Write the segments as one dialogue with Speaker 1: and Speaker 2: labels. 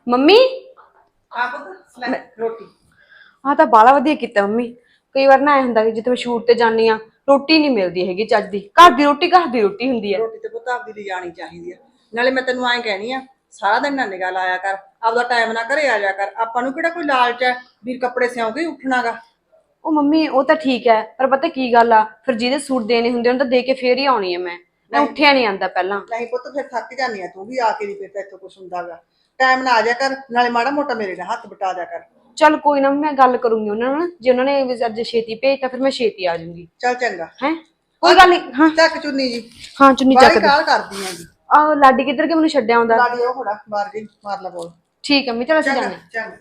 Speaker 1: Mummy
Speaker 2: ਆ ਪੁੱਤ ਲੈ ਰੋਟੀ।
Speaker 1: ਆਹ ਤਾਂ ਬਾਲਾ ਵਧੀਆ ਕੀਤਾ ਮੰਮੀ। ਕਈ ਵਾਰ ਨਾ ਐ ਹੁੰਦਾ ਕਿ ਜਿੱਥੇ ਮੈਂ ਸ਼ੂਟ ਤੇ ਜਾਂਦੀ ਆ ਰੋਟੀ ਨਹੀਂ ਮਿਲਦੀ ਹੈਗੀ ਚੱਜ ਦੀ। ਘਰ ਦੀ ਰੋਟੀ ਹੁੰਦੀ ਆ।
Speaker 2: ਰੋਟੀ ਤੇ ਪੁੱਤ ਆਪਦੀ ਲਈ ਜਾਣੀ ਚਾਹੀਦੀ ਆ। ਨਾਲੇ ਮੈਂ ਤੈਨੂੰ ਐਂ ਕਹਿਣੀ ਆ, ਸਾਰਾ ਦਿਨ ਨਾ ਨਿਗਾਹ ਲਾਇਆ ਕਰ, ਆਪਦਾ ਟਾਈਮ ਨਾਲ ਘਰੇ ਆ ਜਾ ਕਰ। ਆਪਾਂ ਨੂੰ ਕਿਹੜਾ ਕੋਈ ਲਾਲਚ ਹੈ ਵੀ ਕੱਪੜੇ ਸਿਉਂ ਕੇ ਉੱਠਣਾਗਾ।
Speaker 1: ਉਹ ਮੰਮੀ ਉਹ ਤਾਂ ਠੀਕ ਹੈ, ਪਰ ਪਤਾ ਕੀ ਗੱਲ ਆ, ਫਿਰ ਜਿਹਦੇ ਸੂਟ ਦੇਣੇ ਹੁੰਦੇ ਉਹਨਾਂ ਤਾਂ ਦੇ ਕੇ ਫੇਰ ਹੀ ਆਉਣੀ ਆ। ਮੈਂ ਉੱਠਿਆ ਨਹੀਂ ਆਂਦਾ ਪਹਿਲਾਂ।
Speaker 2: ਨਹੀਂ ਪੁੱਤ ਫਿਰ ਥੱਕ ਜਾਂਦੀ ਆ ਤੂੰ ਵੀ, ਆ ਕੇ ਨਹੀਂ ਫਿਰ ਇੱਥੋਂ ਕੁਛ ਹੁੰਦਾਗਾ। ਟਾਈਮ ਨਾਲ ਆ ਜਾ ਕਰ, ਨਾਲੇ ਮਾੜਾ ਮੋਟਾ ਮੇਰੇ ਨਾਲ ਹੱਥ ਬਟਾ ਜਾ ਕਰ।
Speaker 1: ਚੱਲ ਕੋਈ ਨਾ, ਮੈਂ ਗੱਲ ਕਰੂੰਗੀ ਉਹਨਾਂ ਨਾਲ। ਜੇ ਉਹਨਾਂ ਨੇ ਅੱਜ ਛੇਤੀ ਭੇਜਤਾ ਫਿਰ ਮੈਂ ਛੇਤੀ ਆ ਜਾਊਂਗੀ।
Speaker 2: ਚੱਲ ਚੰਗਾ।
Speaker 1: ਹੈ ਕੋਈ ਗੱਲ ਨਹੀਂ। ਹਾਂ
Speaker 2: ਚੱਕ ਚੁੰਨੀ ਜੀ।
Speaker 1: ਹਾਂ ਚੁੰਨੀ
Speaker 2: ਬਾਹਲੀ
Speaker 1: ਚੱਕ ਦੇ।
Speaker 2: ਕਾਹਲ ਕਰਦੀ ਆਂ ਜੀ।
Speaker 1: ਆਹ ਲਾਡੀ ਕਿੱਧਰ ਕੇ ਮੈਨੂੰ ਛੱਡਿਆ ਆਉਂਦਾ।
Speaker 2: ਲਾਡੀ ਉਹ ਖੜਾ ਬਾਹਰ ਗਈ, ਮਾਰ ਲਾ ਬੋਲ।
Speaker 1: ਠੀਕ ਹੈ ਮੰਮੀ, ਚਲ ਅਸੀਂ
Speaker 2: ਚੰਗਾ
Speaker 1: ਜਾਂਦੇ।
Speaker 2: ਚੰਗਾ।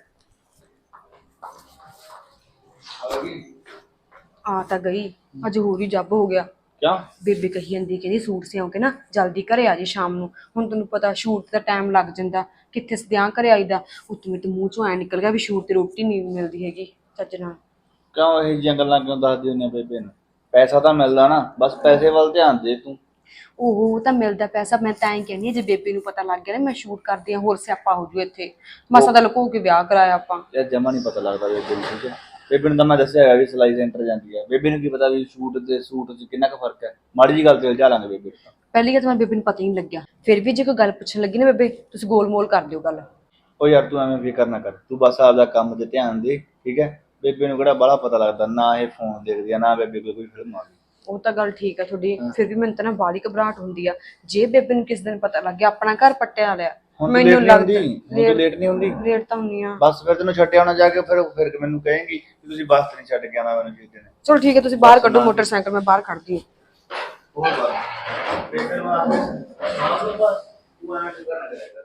Speaker 1: ਆ ਤਾਂ ਗਈ, ਅੱਜ ਹੋਰ ਹੀ ਜੱਬ ਹੋ ਗਿਆ।
Speaker 3: ਕਿਉਂ?
Speaker 1: ਬੇਬੇ ਕਹੀ ਜਾਂਦੀ, ਕਹਿੰਦੀ ਸੂਟ ਸਿਉਂ ਕੇ ਨਾ ਜਲਦੀ ਘਰੇ ਆ ਜੀ ਸ਼ਾਮ ਨੂੰ। ਹੁਣ ਤੈਨੂੰ ਪਤਾ ਸ਼ੂਟ ਦਾ ਟਾਈਮ ਲੱਗ ਜਾਂਦਾ, ਕਿੱਥੇ ਸਦਿਆਂ ਘਰੇ ਆਈਦਾ। ਉੱਤੋਂ ਮੇਰੇ ਮੂੰਹ ਚੋਂ ਐ ਨਿਕਲ ਗਿਆ ਵੀ ਸ਼ੂਟ ਤੇ ਰੋਟੀ ਨਹੀਂ ਮਿਲਦੀ ਹੈਗੀ ਚੱਜ ਨਾਲ।
Speaker 3: ਕਿਉਂ ਇਹ ਜਿਹੀਆਂ ਗੱਲਾਂ ਕਿਉਂ ਦੱਸਦੀ ਹੁੰਦੀ ਆ ਬੇਬੇ ਨੂੰ? ਪੈਸਾ ਤਾਂ ਮਿਲਦਾ ਨਾ, ਬਸ ਪੈਸੇ ਵੱਲ ਧਿਆਨ ਦੇ ਤੂੰ।
Speaker 1: ਉਹ ਤਾਂ ਮਿਲਦਾ ਪੈਸਾ, ਮੈਂ ਤਾਂ ਐਂ ਕਹਿੰਦੀ ਹਾਂ ਜੇ ਬੇਬੇ ਨੂੰ ਪਤਾ ਲੱਗ ਗਿਆ ਨਾ ਮੈਂ ਸ਼ੂਟ ਕਰਦੀ ਹਾਂ, ਹੋਰ ਸਿਆਪਾ ਹੋ ਜੂ ਇੱਥੇ। ਮਸਾਂ ਤਾਂ ਲੁਕੋ ਕੇ ਵਿਆਹ ਕਰਾਇਆ ਆਪਾਂ।
Speaker 3: ਯਾਰ ਜਮਾ ਨਹੀਂ ਪਤਾ ਲੱਗਦਾ ਬੇਬੇ ਨੂੰ, ਠੀਕ ਹੈ? ਬੇਬੇ ਨੂੰ ਤਾਂ ਮੈਂ ਦੱਸਿਆ ਹੈਗਾ ਵੀ ਸਿਲਾਈ ਸੈਂਟਰ ਜਾਂਦੀ ਹੈ। ਬੇਬੇ ਨੂੰ ਕੀ ਪਤਾ ਵੀ ਸੂਟ 'ਚ ਕਿੰਨਾ ਕੁ ਫਰਕ ਹੈ। ਮਾੜੀ ਜੀ ਗੱਲ ਤੇ ਉਲਝਾ ਲਾਂਗੇ ਬੇਬੇ ਨੂੰ।
Speaker 1: ਪਹਿਲੀ ਗੱਲ ਤਾਂ ਮੈਂ ਬੇਬੇ ਨੂੰ ਪਤਾ ਹੀ ਨਹੀਂ ਲੱਗਿਆ, ਫਿਰ ਵੀ ਜੇ ਕੋਈ ਗੱਲ ਪੁੱਛਣ ਲੱਗੀ ਨਾ ਬੇਬੇ, ਤੁਸੀਂ ਗੋਲ ਮੋਲ ਕਰ ਦਿਓ ਗੱਲ।
Speaker 3: ਉਹ ਯਾਰ ਤੂੰ ਐਵੇਂ ਫਿਕਰ ਨਾ ਕਰ, ਤੂੰ ਬਸ ਆਪਦਾ ਕੰਮ 'ਤੇ ਧਿਆਨ ਦੇ, ਠੀਕ ਹੈ? ਬੇਬੇ ਨੂੰ ਕਿਹੜਾ ਬਾਹਲਾ ਪਤਾ ਲੱਗਦਾ, ਨਾ ਇਹ ਫੋਨ ਦੇਖਦੀ ਆ, ਨਾ ਬੇਬੇ ਕੋਈ ਫਿਲਮ ਆ ਗਈ।
Speaker 1: ਉਹ ਤਾਂ ਗੱਲ ਠੀਕ ਹੈ ਤੁਹਾਡੀ, ਫਿਰ ਵੀ ਮੈਨੂੰ ਤਾਂ ਨਾ ਬਾਹਲੀ ਘਬਰਾਹਟ ਹੁੰਦੀ ਆ। ਜੇ ਬੇਬੇ ਨੂੰ ਕਿਸ ਦਿਨ ਪਤਾ ਲੱਗ ਗਿਆ ਆਪਣਾ ਘਰ ਪੱਟਿਆ ਲਿਆ, ਮੈਨੂੰ ਲੱਗਦਾ
Speaker 3: ਲੇਟ ਨਹੀਂ ਹੁੰਦੀ।
Speaker 1: ਲੇਟ ਤਾਂ ਹੁੰਦੀ ਆ।
Speaker 3: ਬਸ ਫਿਰ ਤੈਨੂੰ ਛੱਡਿਆ ਹੋਣਾ ਜਾ ਕੇ, ਫਿਰ ਮੈਨੂੰ ਕਹੇਂਗੀ ਕਿ ਤੁਸੀਂ ਬੱਸ ਤੇ ਨਹੀਂ ਛੱਡ ਕੇ ਆਉਣਾ ਮੈਨੂੰ ਕਿਸੇ ਦਿਨ।
Speaker 1: ਚਲੋ ਠੀਕ ਹੈ, ਤੁਸੀਂ ਬਾਹਰ ਕੱਢੋ ਮੋਟਰਸਾਈਕਲ, ਮੈਂ ਬਾਹਰ ਖੜਦੀ ਹਾਂ।
Speaker 3: ਉਹ ਬਸ ਬੇਬੇ ਨੂੰ ਆ ਕੇ ਬਸ ਤੂੰ ਐਵੇਂ ਫਿਕਰ ਨਾ ਕਰਿਆ ਕਰ।